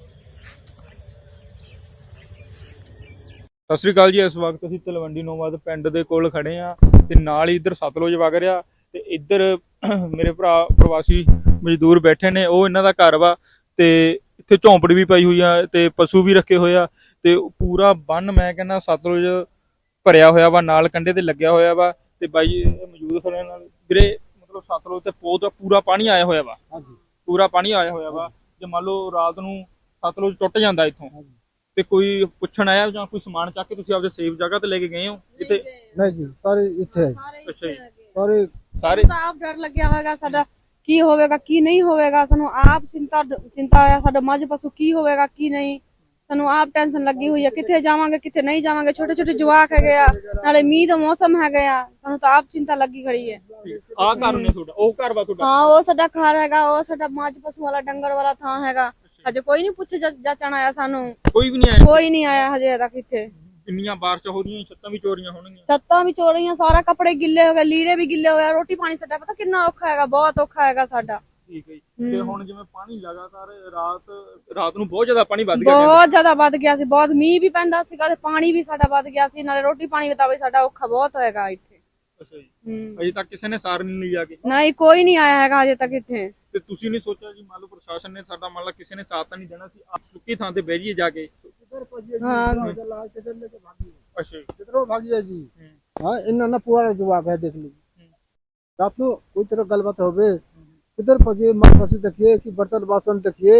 ਸਤਿ ਸ੍ਰੀ ਅਕਾਲ ਜੀ ਇਸ ਵਕਤ ਅਸੀਂ ਤਲਵੰਡੀ ਨੋਵਾਦ ਪਿੰਡ ਦੇ ਕੋਲ ਖੜੇ ਆ ਤੇ ਨਾਲ ਹੀ ਇੱਧਰ ਸਤਲੁਜ ਵਗ ਰਿਹਾ ਤੇ ਇੱਧਰ ਮੇਰੇ ਭਰਾ ਪ੍ਰਵਾਸੀ ਮਜ਼ਦੂਰ ਬੈਠੇ ਨੇ ਉਹ ਇਹਨਾਂ ਦਾ ਘਰ ਵਾ ਤੇ ਇੱਥੇ ਝੌਂਪੜੀ ਵੀ ਪਾਈ ਹੋਈ ਆ ਤੇ ਪਸ਼ੂ ਵੀ ਰੱਖੇ ਹੋਏ ਆ ਤੇ ਪੂਰਾ ਬੰਨ ਮੈਂ ਕਹਿੰਦਾ ਸਤਲੁਜ ਭਰਿਆ ਹੋਇਆ ਵਾ ਨਾਲ ਕੰਢੇ ਤੇ ਲੱਗਿਆ ਹੋਇਆ ਵਾ ਤੇ ਬਾਈ ਮੌਜੂਦ ਹੋਣ ਨਾਲ ਵੀਰੇ ਮਤਲਬ ਸਤਲੁਜ ਤੇ ਪੂਰਾ ਪਾਣੀ ਆਇਆ ਹੋਇਆ ਵਾ
हाँ जी
ਪੂਰਾ ਪਾਣੀ ਆਇਆ ਹੋਇਆ ਵਾ ਜੇ ਮੰਨ ਲਓ ਰਾਤ ਨੂੰ ਸਤਲੁਜ ਟੁੱਟ ਜਾਂਦਾ ਇੱਥੋਂ ਤੇ ਕੋਈ ਪੁੱਛਣ ਆਇਆ ਜਾਂ ਕੋਈ ਸਮਾਨ ਚੱਕ ਕੇ ਤੁਸੀਂ ਆਪਦੇ ਸੇਫ ਜਗ੍ਹਾ ਤੇ ਲੈ ਕੇ ਗਏ ਹੋ ਜਿੱਥੇ?
नहीं जी सारे इतने है
ਅੱਛਾ ਜੀ,
सारे
ਸਾਰੇ
ਤਾਂ ਆਪ ਡਰ ਲੱਗਿਆ ਹੋਵੇਗਾ ਸਾਡਾ ਕੀ ਹੋਵੇਗਾ ਕੀ ਨਹੀਂ ਹੋਵੇਗਾ ਸਾਨੂੰ ਆਪ ਚਿੰਤਾ ਆ ਸਾਡਾ ਮੱਝ ਪਸ਼ੂ ਕੀ ਹੋਵੇਗਾ ਕੀ ਨਹੀਂ ਸਾਨੂੰ ਆਪ ਟੈਨਸ਼ਨ ਲੱਗੀ ਹੋਈ ਹੈ ਕਿੱਥੇ ਜਾਵਾਂਗੇ ਕਿੱਥੇ ਨਹੀਂ ਜਾਵਾਂਗੇ ਛੋਟੇ ਛੋਟੇ ਜਵਾਕ ਹੈਗੇ ਆ ਨਾਲੇ ਮੀਂਹ ਦਾ ਮੌਸਮ ਹੈਗਾ ਆ ਸਾਨੂੰ ਤਾਂ ਆਪ ਚਿੰਤਾ ਲੱਗੀ ਖੜੀ ਹੈ
ਆਹ ਘਰ ਨੇ ਤੁਹਾਡਾ, ਉਹ ਘਰ ਵਾ ਤੁਹਾਡਾ?
ਹਾਂ ਉਹ ਸਾਡਾ ਘਰ ਹੈਗਾ ਉਹ ਸਾਡਾ ਮੱਝ ਪਸ਼ੂ ਵਾਲਾ ਡੰਗਰ ਵਾਲਾ ਥਾਂ ਹੈਗਾ ਹਜੇ ਕੋਈ ਨਹੀਂ ਪੁੱਛੇ ਜਾਚਣ ਆਇਆ ਸਾਨੂੰ
ਕੋਈ ਵੀ ਨਹੀਂ ਆਇਆ?
ਕੋਈ ਨਹੀਂ ਆਇਆ ਹਜੇ ਤੱਕ ਇੱਥੇ
ਇੰਨੀਆਂ ਬਾਰਿਸ਼ਾਂ ਹੋ ਰਹੀਆਂ, ਛੱਤਾਂ ਵੀ ਚੋਰੀਆਂ ਹੋਣਗੀਆਂ।
ਛੱਤਾਂ ਵੀ ਚੋ ਰਹੀਆਂ ਸਾਰਾ ਕੱਪੜੇ ਗਿੱਲੇ ਹੋ ਗਏ ਲੀੜੇ ਵੀ ਗਿੱਲੇ ਹੋ ਗਏ ਰੋਟੀ ਪਾਣੀ ਸਾਡਾ ਪਤਾ ਕਿੰਨਾ ਔਖਾ ਹੈਗਾ ਬਹੁਤ ਔਖਾ ਹੈਗਾ ਸਾਡਾ
ਠੀਕ ਹੈ ਜੀ। ਤੇ ਹੁਣ ਜਿਵੇਂ ਪਾਣੀ ਲਗਾਤਾਰ ਰਾਤ ਨੂੰ ਬਹੁਤ ਜ਼ਿਆਦਾ ਪਾਣੀ ਵੱਧ ਗਿਆ
ਬਹੁਤ ਜ਼ਿਆਦਾ ਵੱਧ ਗਿਆ ਸੀ ਬਹੁਤ ਮੀਂਹ ਵੀ ਪੈਂਦਾ ਸੀਗਾ ਤੇ ਪਾਣੀ ਵੀ ਸਾਡਾ ਵੱਧ ਗਿਆ ਸੀ ਨਾਲੇ ਰੋਟੀ ਪਾਣੀ ਦਾ ਵੀ ਸਾਡਾ ਔਖਾ ਬਹੁਤ ਹੋਏਗਾ ਇੱਥੇ
ਅੱਛਾ ਜੀ, ਅਜੇ ਤੱਕ ਕਿਸੇ ਨੇ ਸਾਰ ਨਹੀਂ ਲਈ ਆ ਕੇ?
ਨਹੀਂ ਕੋਈ ਨਹੀਂ ਆਇਆ ਹੈਗਾ ਅਜੇ ਤੱਕ ਇੱਥੇ
ਤੇ ਤੁਸੀਂ ਨਹੀਂ ਸੋਚਿਆ ਜੀ ਮੰਨ ਲਓ ਪ੍ਰਸ਼ਾਸਨ ਨੇ ਸਾਡਾ ਮੰਨ ਲਾ ਕਿਸੇ ਨੇ ਸਾਥ ਤਾਂ ਨਹੀਂ ਦੇਣਾ ਸੀ, ਆਪ ਸੁੱਕੀ ਥਾਂ ਤੇ ਬਹਿ ਜਾਈਏ ਜਾ ਕੇ?
हाँ।
किधर लेके भागी
ਅੱਛਾ ਜੀ,
किधरों भागी है जी हाँ इन ना पूरा जवाब है देख लीजिए रात को कोई तरह गलबात हो गए किधर पहुंचे माँ पशु देखिए कि बर्तन बासन देखिए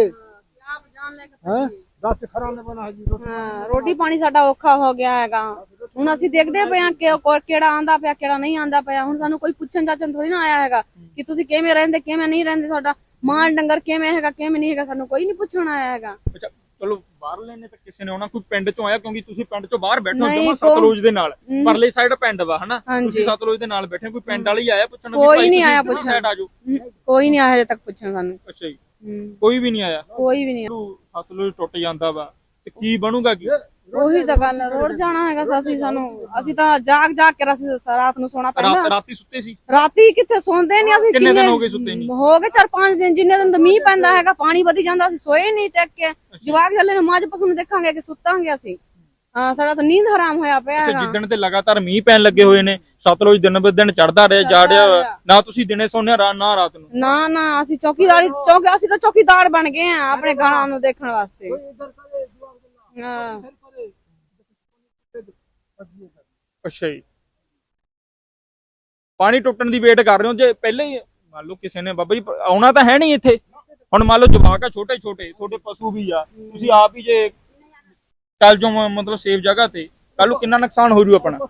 हैं रात से खड़ा नहीं बना है जी
ਹਾਂ ਰੋਟੀ ਪਾਣੀ ਸਾਡਾ ਔਖਾ ਹੋ ਗਿਆ ਹੈਗਾ ਹੁਣ ਅਸੀਂ ਦੇਖਦੇ ਪਏ ਆ ਕਿ ਕਿਹੜਾ ਆਂਦਾ ਪਿਆ ਕਿਹੜਾ ਨਹੀਂ ਆਂਦਾ ਪਿਆ ਹੁਣ ਸਾਨੂੰ ਕੋਈ ਪੁੱਛਣ ਜਾਚਣ ਥੋੜੀ ਨਾ ਆਇਆ ਹੈਗਾ ਕਿ ਤੁਸੀਂ ਕਿਵੇਂ ਰਹਿੰਦੇ ਕਿਵੇਂ ਨਹੀਂ ਰਹਿੰਦੇ ਤੁਹਾਡਾ ਮਾਲ ਡੰਗਰ ਕਿਵੇਂ ਹੈਗਾ ਕਿਵੇਂ ਨਹੀਂ ਹੈਗਾ ਸਾਨੂੰ ਕੋਈ ਨਹੀਂ ਪੁੱਛਣ ਆਇਆ ਹੈਗਾ
ਅੱਛਾ ਚਲੋ ਬਾਹਰਲੇ ਨੇ ਤਾਂ ਕਿਸੇ ਨੇ ਆਉਣਾ, ਕੋਈ ਪਿੰਡ ਚੋਂ ਆਇਆ? ਕਿਉਂਕਿ ਤੁਸੀਂ ਪਿੰਡ ਚੋਂ ਬਾਹਰ ਬੈਠੇ ਹੋ
ਨਹੀਂ,
ਜਮਾ ਸਤਲੁਜ ਦੇ ਨਾਲ, ਪਰਲੇ ਸਾਈਡ ਪਿੰਡ ਵਾ ਹਨਾ,
ਹਾਂਜੀ।
ਤੁਸੀਂ ਸਤਲੁਜ ਦੇ ਨਾਲ ਬੈਠੇ ਹੋ, ਕੋਈ ਪਿੰਡ ਵਾਲਾ ਹੀ ਆਇਆ ਪੁੱਛਣ?
ਕੋਈ ਨਹੀਂ ਆਇਆ ਪੁੱਛਣ।
ਸਾਈਡ ਆ ਜਾਓ।
ਕੋਈ ਨਹੀਂ ਆਇਆ ਹਜੇ ਤੱਕ ਪੁੱਛਣ ਸਾਨੂੰ।
ਅੱਛਾ ਜੀ, ਕੋਈ ਵੀ ਨਹੀਂ ਆਇਆ?
ਕੋਈ ਵੀ ਨਹੀਂ।
ਸਤਲੁਜ ਟੁੱਟ ਜਾਂਦਾ ਵਾ ਤੇ ਕੀ ਬਣੂਗਾ? ਕੀ
ਉਹੀ ਤਾਂ ਗੱਲ ਹੈ, ਰੋਡ ਜਾਣਾ ਹੈਗਾ ਅਸੀਂ ਤਾਂ ਜਾਗ ਕੇ ਰਾਤ ਨੂੰ ਸੋਣਾ ਪੈਂਦਾ।
ਰਾਤੀ ਸੁੱਤੇ ਸੀ?
ਰਾਤੀ ਕਿੱਥੇ ਸੌਂਦੇ ਨਹੀਂ ਅਸੀਂ।
ਕਿੰਨੇ ਦਿਨ ਹੋ ਗਏ ਸੁੱਤੇ ਨਹੀਂ?
ਹੋ ਗਏ 4-5 ਦਿਨ। ਜਿੰਨੇ ਦਿਨ ਮੀਂਹ ਪੈਂਦਾ ਹੈਗਾ ਪਾਣੀ ਵਧੀ ਜਾਂਦਾ ਅਸੀਂ ਸੋਏ ਨਹੀਂ ਟਿਕ ਕੇ। ਜਵਾਕ ਹਲੇ ਨੂੰ ਮੱਝ ਪਸ਼ੂ ਨੂੰ ਦੇਖਾਂਗੇ ਕਿ ਸੁੱਤਾਂਗੇ ਅਸੀਂ। ਹਾਂ ਸਾਡਾ ਤਾਂ ਨੀਂਦ ਹਰਾਮ ਹੋਇਆ ਪਿਆ ਹੈਗਾ।
ਜਿੱਦਣ ਤੇ ਲਗਾਤਾਰ ਮੀਂਹ ਪੈਣ ਲੱਗੇ ਹੋਏ ਨੇ ਸਤਲੁਜ ਦਿਨ ਬ ਦਿਨ ਚੜਦਾ ਰਿਹਾ ਜਾ ਰਿਹਾ, ਨਾ ਤੁਸੀਂ ਦਿਨੇ ਸੌਂਦੇ ਨਾ ਰਾਤ ਨੂੰ?
ਨਾ ਅਸੀਂ ਅਸੀਂ ਤਾਂ ਚੌਕੀਦਾਰ ਬਣ ਗਏ ਆ ਆਪਣੇ ਗਾਣਾ ਨੂੰ ਦੇਖਣ ਵਾਸਤੇ। ਹਾਂ
ਅੱਛਾ ਜੀ, ਪਾਣੀ ਟੁੱਟਣ ਦੀ ਵੇਟ ਕਰ ਰਹੇ ਹੋ? ਜੇ ਪਹਿਲੇ ਹੀ ਮੰਨ ਲਓ ਕਿਸੇ ਨੇ ਬਾਬਾ ਜੀ ਆਉਣਾ ਤਾਂ ਹੈ ਨਹੀਂ ਇੱਥੇ, ਹੁਣ ਮੰਨ ਲਓ ਜਵਾਕ ਆ ਛੋਟੇ ਛੋਟੇ, ਤੁਹਾਡੇ ਪਸ਼ੂ ਵੀ ਆ, ਤੁਸੀਂ ਆਪ ਹੀ ਜੇ ਚੱਲ ਜਾਓ ਮਤਲਬ ਸੇਫ ਜਗ੍ਹਾ ਤੇ, ਕੱਲ ਨੂੰ ਕਿੰਨਾ ਨੁਕਸਾਨ ਹੋ ਜੂ ਆਪਣਾ?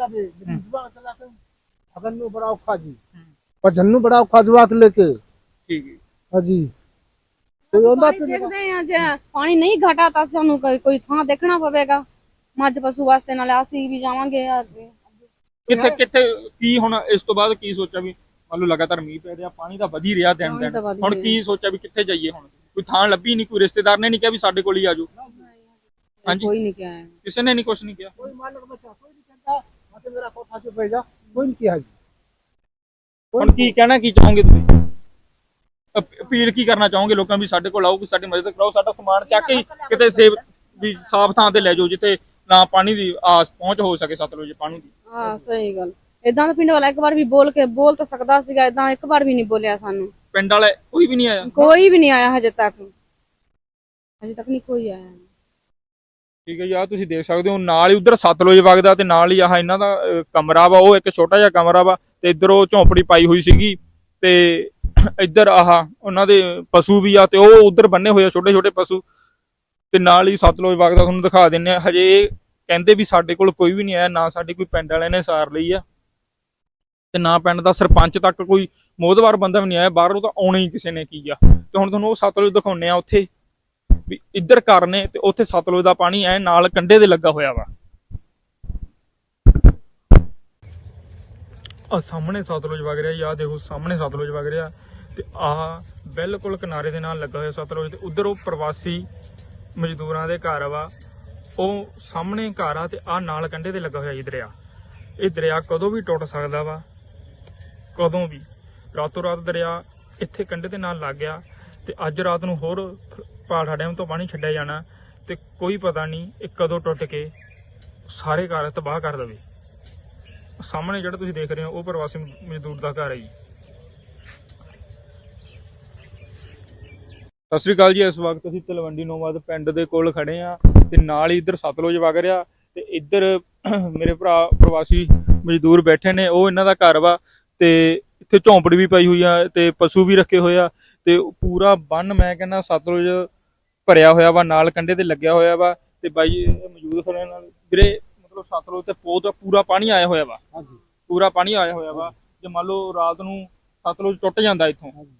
बड़ा औखा जी पछन्नू बड़ा औखा जवाक लेके।
ਠੀਕ ਹੈ
हाँ जी
ਦੇਖਦੇ ਆ ਜੇ ਪਾਣੀ ਨਹੀਂ ਘਟਾ ਤਾਂ ਸਾਨੂੰ ਕੋਈ ਥਾਂ ਦੇਖਣਾ ਪਵੇਗਾ ਮੱਝ ਪਸ਼ੂ ਵਾਸਤੇ, ਨਾਲੇ ਅਸੀਂ ਵੀ ਜਾਵਾਂਗੇ ਅੱਗੇ।
ਕਿੱਥੇ ਕਿੱਥੇ ਕੀ ਹੁਣ ਇਸ ਤੋਂ ਬਾਅਦ ਕੀ ਸੋਚਿਆ ਵੀ ਮੰਨ ਲਓ ਲਗਾਤਾਰ ਮੀਂਹ ਪੈ ਰਿਹਾ, ਪਾਣੀ ਤਾਂ ਵਧੀ ਰਿਹਾ ਦਿਨ ਦਿਨ, ਹੁਣ ਕੀ ਸੋਚਿਆ ਵੀ ਕਿੱਥੇ ਜਾਈਏ? ਹੁਣ ਕੋਈ ਥਾਂ ਲੱਭੀ ਨਹੀਂ, ਕੋਈ ਰਿਸ਼ਤੇਦਾਰ ਨੇ ਨਹੀਂ ਕਿਹਾ ਵੀ ਸਾਡੇ ਕੋਲ ਹੀ ਆ ਜਾਓ? ਹਾਂਜੀ,
ਕੋਈ ਨਹੀਂ ਕਿਹਾ,
ਕਿਸੇ ਨੇ ਨਹੀਂ ਕੁਛ ਨਹੀਂ ਕਿਹਾ?
कोई मालिक बच्चा कोई नहीं कहता मेरा कोठा से भेजा कोई नहीं किया जी।
ਹੁਣ ਕੀ ਕਹਿਣਾ ਕੀ ਚਾਹੋਗੇ ਤੁਸੀਂ? ਅਪੀਲ ਕੀ ਕਰਨਾ ਚਾਹੋਗੇ ਲੋਕਾਂ ਵੀ ਸਾਡੇ ਕੋਲ ਆਓ, ਕਿ ਸਾਡੀ ਮਦਦ ਕਰਾਓ, ਸਾਡਾ ਸਮਾਨ ਚੱਕ ਕੇ ਕਿਤੇ ਸੇਫ ਵੀ ਸਾਫ਼ ਥਾਂ ਤੇ ਲੈ ਜਾਓ ਜਿੱਥੇ ਨਾ ਪਾਣੀ ਦੀ ਆਸ ਪਹੁੰਚ ਹੋ ਸਕੇ ਸਤਲੁਜ ਪਾਣੀ ਦੀ।
ਹਾਂ ਸਹੀ ਗੱਲ। ਏਦਾਂ ਤਾਂ ਪਿੰਡ ਵਾਲਾ ਇੱਕ ਵਾਰ ਵੀ ਬੋਲ ਤਾਂ ਸਕਦਾ ਸੀਗਾ, ਏਦਾਂ ਇੱਕ ਵਾਰ ਵੀ ਨਹੀਂ ਬੋਲਿਆ ਸਾਨੂੰ।
ਪਿੰਡ ਵਾਲੇ ਕੋਈ ਵੀ ਨਹੀਂ ਆਇਆ?
ਕੋਈ ਵੀ ਨਹੀਂ ਆਇਆ ਹਜੇ ਤੱਕ ਨਹੀਂ ਕੋਈ ਆਇਆ।
ਠੀਕ ਹੈ ਜੀ, ਆਹ ਤੁਸੀਂ ਦੇਖ ਸਕਦੇ ਹੋ ਨਾਲ ਹੀ ਉਧਰ ਸਤਲੁਜ ਵਗਦਾ ਤੇ ਨਾਲ ਹੀ ਆਹ ਇਹਨਾਂ ਦਾ ਕਮਰਾ ਵਾ, ਉਹ ਇੱਕ ਛੋਟਾ ਜਿਹਾ ਕਮਰਾ ਵਾ ਤੇ ਇੱਧਰ ਉਹ ਝੌਂਪੜੀ ਪਾਈ ਹੋਈ ਸੀਗੀ ਤੇ ਇੱਧਰ ਆਹ ਉਹਨਾਂ ਦੇ ਪਸ਼ੂ ਵੀ ਆ ਤੇ ਉਹ ਉਧਰ ਬੰਨੇ ਹੋਏ ਆ ਛੋਟੇ ਛੋਟੇ ਪਸ਼ੂ ਤੇ ਨਾਲ ਹੀ ਸਤਲੁਜ ਵਗਦਾ। ਤੁਹਾਨੂੰ ਦਿਖਾ ਦਿੰਨੇ ਆ। ਹਜੇ ਕਹਿੰਦੇ ਵੀ ਸਾਡੇ ਕੋਲ ਕੋਈ ਵੀ ਨਹੀਂ ਆਇਆ, ਨਾ ਸਾਡੀ ਕੋਈ ਪਿੰਡ ਵਾਲਿਆਂ ਨੇ ਸਾਰ ਲਈ ਆ ਤੇ ਨਾ ਪਿੰਡ ਦਾ ਸਰਪੰਚ ਤੱਕ ਕੋਈ ਮੋਹਦਵਾਰ ਬੰਦਾ ਵੀ ਨਹੀਂ ਆਇਆ, ਬਾਹਰੋਂ ਤਾਂ ਆਉਣਾ ਹੀ ਕਿਸੇ ਨੇ ਕੀ ਆ। ਤੇ ਹੁਣ ਤੁਹਾਨੂੰ ਉਹ ਸਤਲੁਜ ਦਿਖਾਉਂਦੇ ਆ, ਉੱਥੇ ਵੀ ਇੱਧਰ ਘਰ ਨੇ ਤੇ ਉੱਥੇ ਸਤਲੁਜ ਦਾ ਪਾਣੀ ਐ ਨਾਲ ਕੰਢੇ ਦੇ ਲੱਗਾ ਹੋਇਆ ਵਾ। ਆ ਸਾਹਮਣੇ ਸਤਲੁਜ ਵਗ ਰਿਹਾ, ਯਾ ਦੇਖੋ ਸਾਹਮਣੇ ਸਤਲੁਜ ਵਗ ਰਿਹਾ ਤੇ ਆਹ ਬਿਲਕੁਲ ਕਿਨਾਰੇ ਦੇ ਨਾਲ ਲੱਗਾ ਹੋਇਆ ਸਤਲੁਜ ਤੇ ਉਧਰ ਉਹ ਪ੍ਰਵਾਸੀ ਮਜ਼ਦੂਰਾਂ ਦੇ ਘਰ ਵਾ, ਉਹ ਸਾਹਮਣੇ ਘਰ ਆ ਤੇ ਆਹ ਨਾਲ ਕੰਢੇ ਤੇ ਲੱਗਾ ਹੋਇਆ ਜੀ ਦਰਿਆ। ਇਹ ਦਰਿਆ ਕਦੋਂ ਵੀ ਟੁੱਟ ਸਕਦਾ ਵਾ, ਕਦੋਂ ਵੀ। ਰਾਤੋਂ ਰਾਤ ਦਰਿਆ ਇੱਥੇ ਕੰਢੇ ਦੇ ਨਾਲ ਲੱਗ ਗਿਆ ਤੇ ਅੱਜ ਰਾਤ ਨੂੰ ਹੋਰ ਭਾਲਠਾ ਡੈਮ ਤੋਂ ਪਾਣੀ ਛੱਡਿਆ ਜਾਣਾ ਤੇ ਕੋਈ ਪਤਾ ਨਹੀਂ ਇਹ ਕਦੋਂ ਟੁੱਟ ਕੇ ਸਾਰੇ ਘਰ ਤਬਾਹ ਕਰ ਦੇਵੇ। ਸਾਹਮਣੇ ਜਿਹੜਾ ਤੁਸੀਂ ਦੇਖ ਰਹੇ ਹੋ ਉਹ ਪ੍ਰਵਾਸੀ ਮਜ਼ਦੂਰ ਦਾ ਘਰ ਹੈ ਜੀ। ਸਤਿ ਸ੍ਰੀ ਅਕਾਲ ਜੀ, ਇਸ ਵਕਤ ਅਸੀਂ ਤਲਵੰਡੀ ਨੋਵਾਦ ਪਿੰਡ ਦੇ ਕੋਲ ਖੜੇ ਆ ਤੇ ਨਾਲ ਹੀ ਇੱਧਰ ਸਤਲੁਜ ਵਗ ਰਿਹਾ ਤੇ ਇੱਧਰ ਮੇਰੇ ਭਰਾ ਪ੍ਰਵਾਸੀ ਮਜ਼ਦੂਰ ਬੈਠੇ ਨੇ, ਉਹ ਇਹਨਾਂ ਦਾ ਘਰ ਵਾ ਤੇ ਇੱਥੇ ਝੌਂਪੜੀ ਵੀ ਪਾਈ ਹੋਈ ਆ ਤੇ ਪਸ਼ੂ ਵੀ ਰੱਖੇ ਹੋਏ ਆ ਤੇ ਪੂਰਾ ਬੰਨ ਮੈਂ ਕਹਿੰਦਾ ਸਤਲੁਜ ਭਰਿਆ ਹੋਇਆ ਵਾ, ਨਾਲ ਕੰਢੇ ਤੇ ਲੱਗਿਆ ਹੋਇਆ ਵਾ ਤੇ ਬਾਈ ਮੌਜੂਦ ਹੋਣ ਨਾਲ ਵੀਰੇ ਮਤਲਬ ਸਤਲੁਜ ਤੇ ਪੋਹ ਦਾ ਪੂਰਾ ਪਾਣੀ ਆਇਆ ਹੋਇਆ ਵਾ
हाँ जी
ਪੂਰਾ ਪਾਣੀ ਆਇਆ ਹੋਇਆ ਵਾ ਜੇ ਮੰਨ ਲਓ ਰਾਤ ਨੂੰ ਸਤਲੁਜ ਟੁੱਟ ਜਾਂਦਾ ਇੱਥੋਂ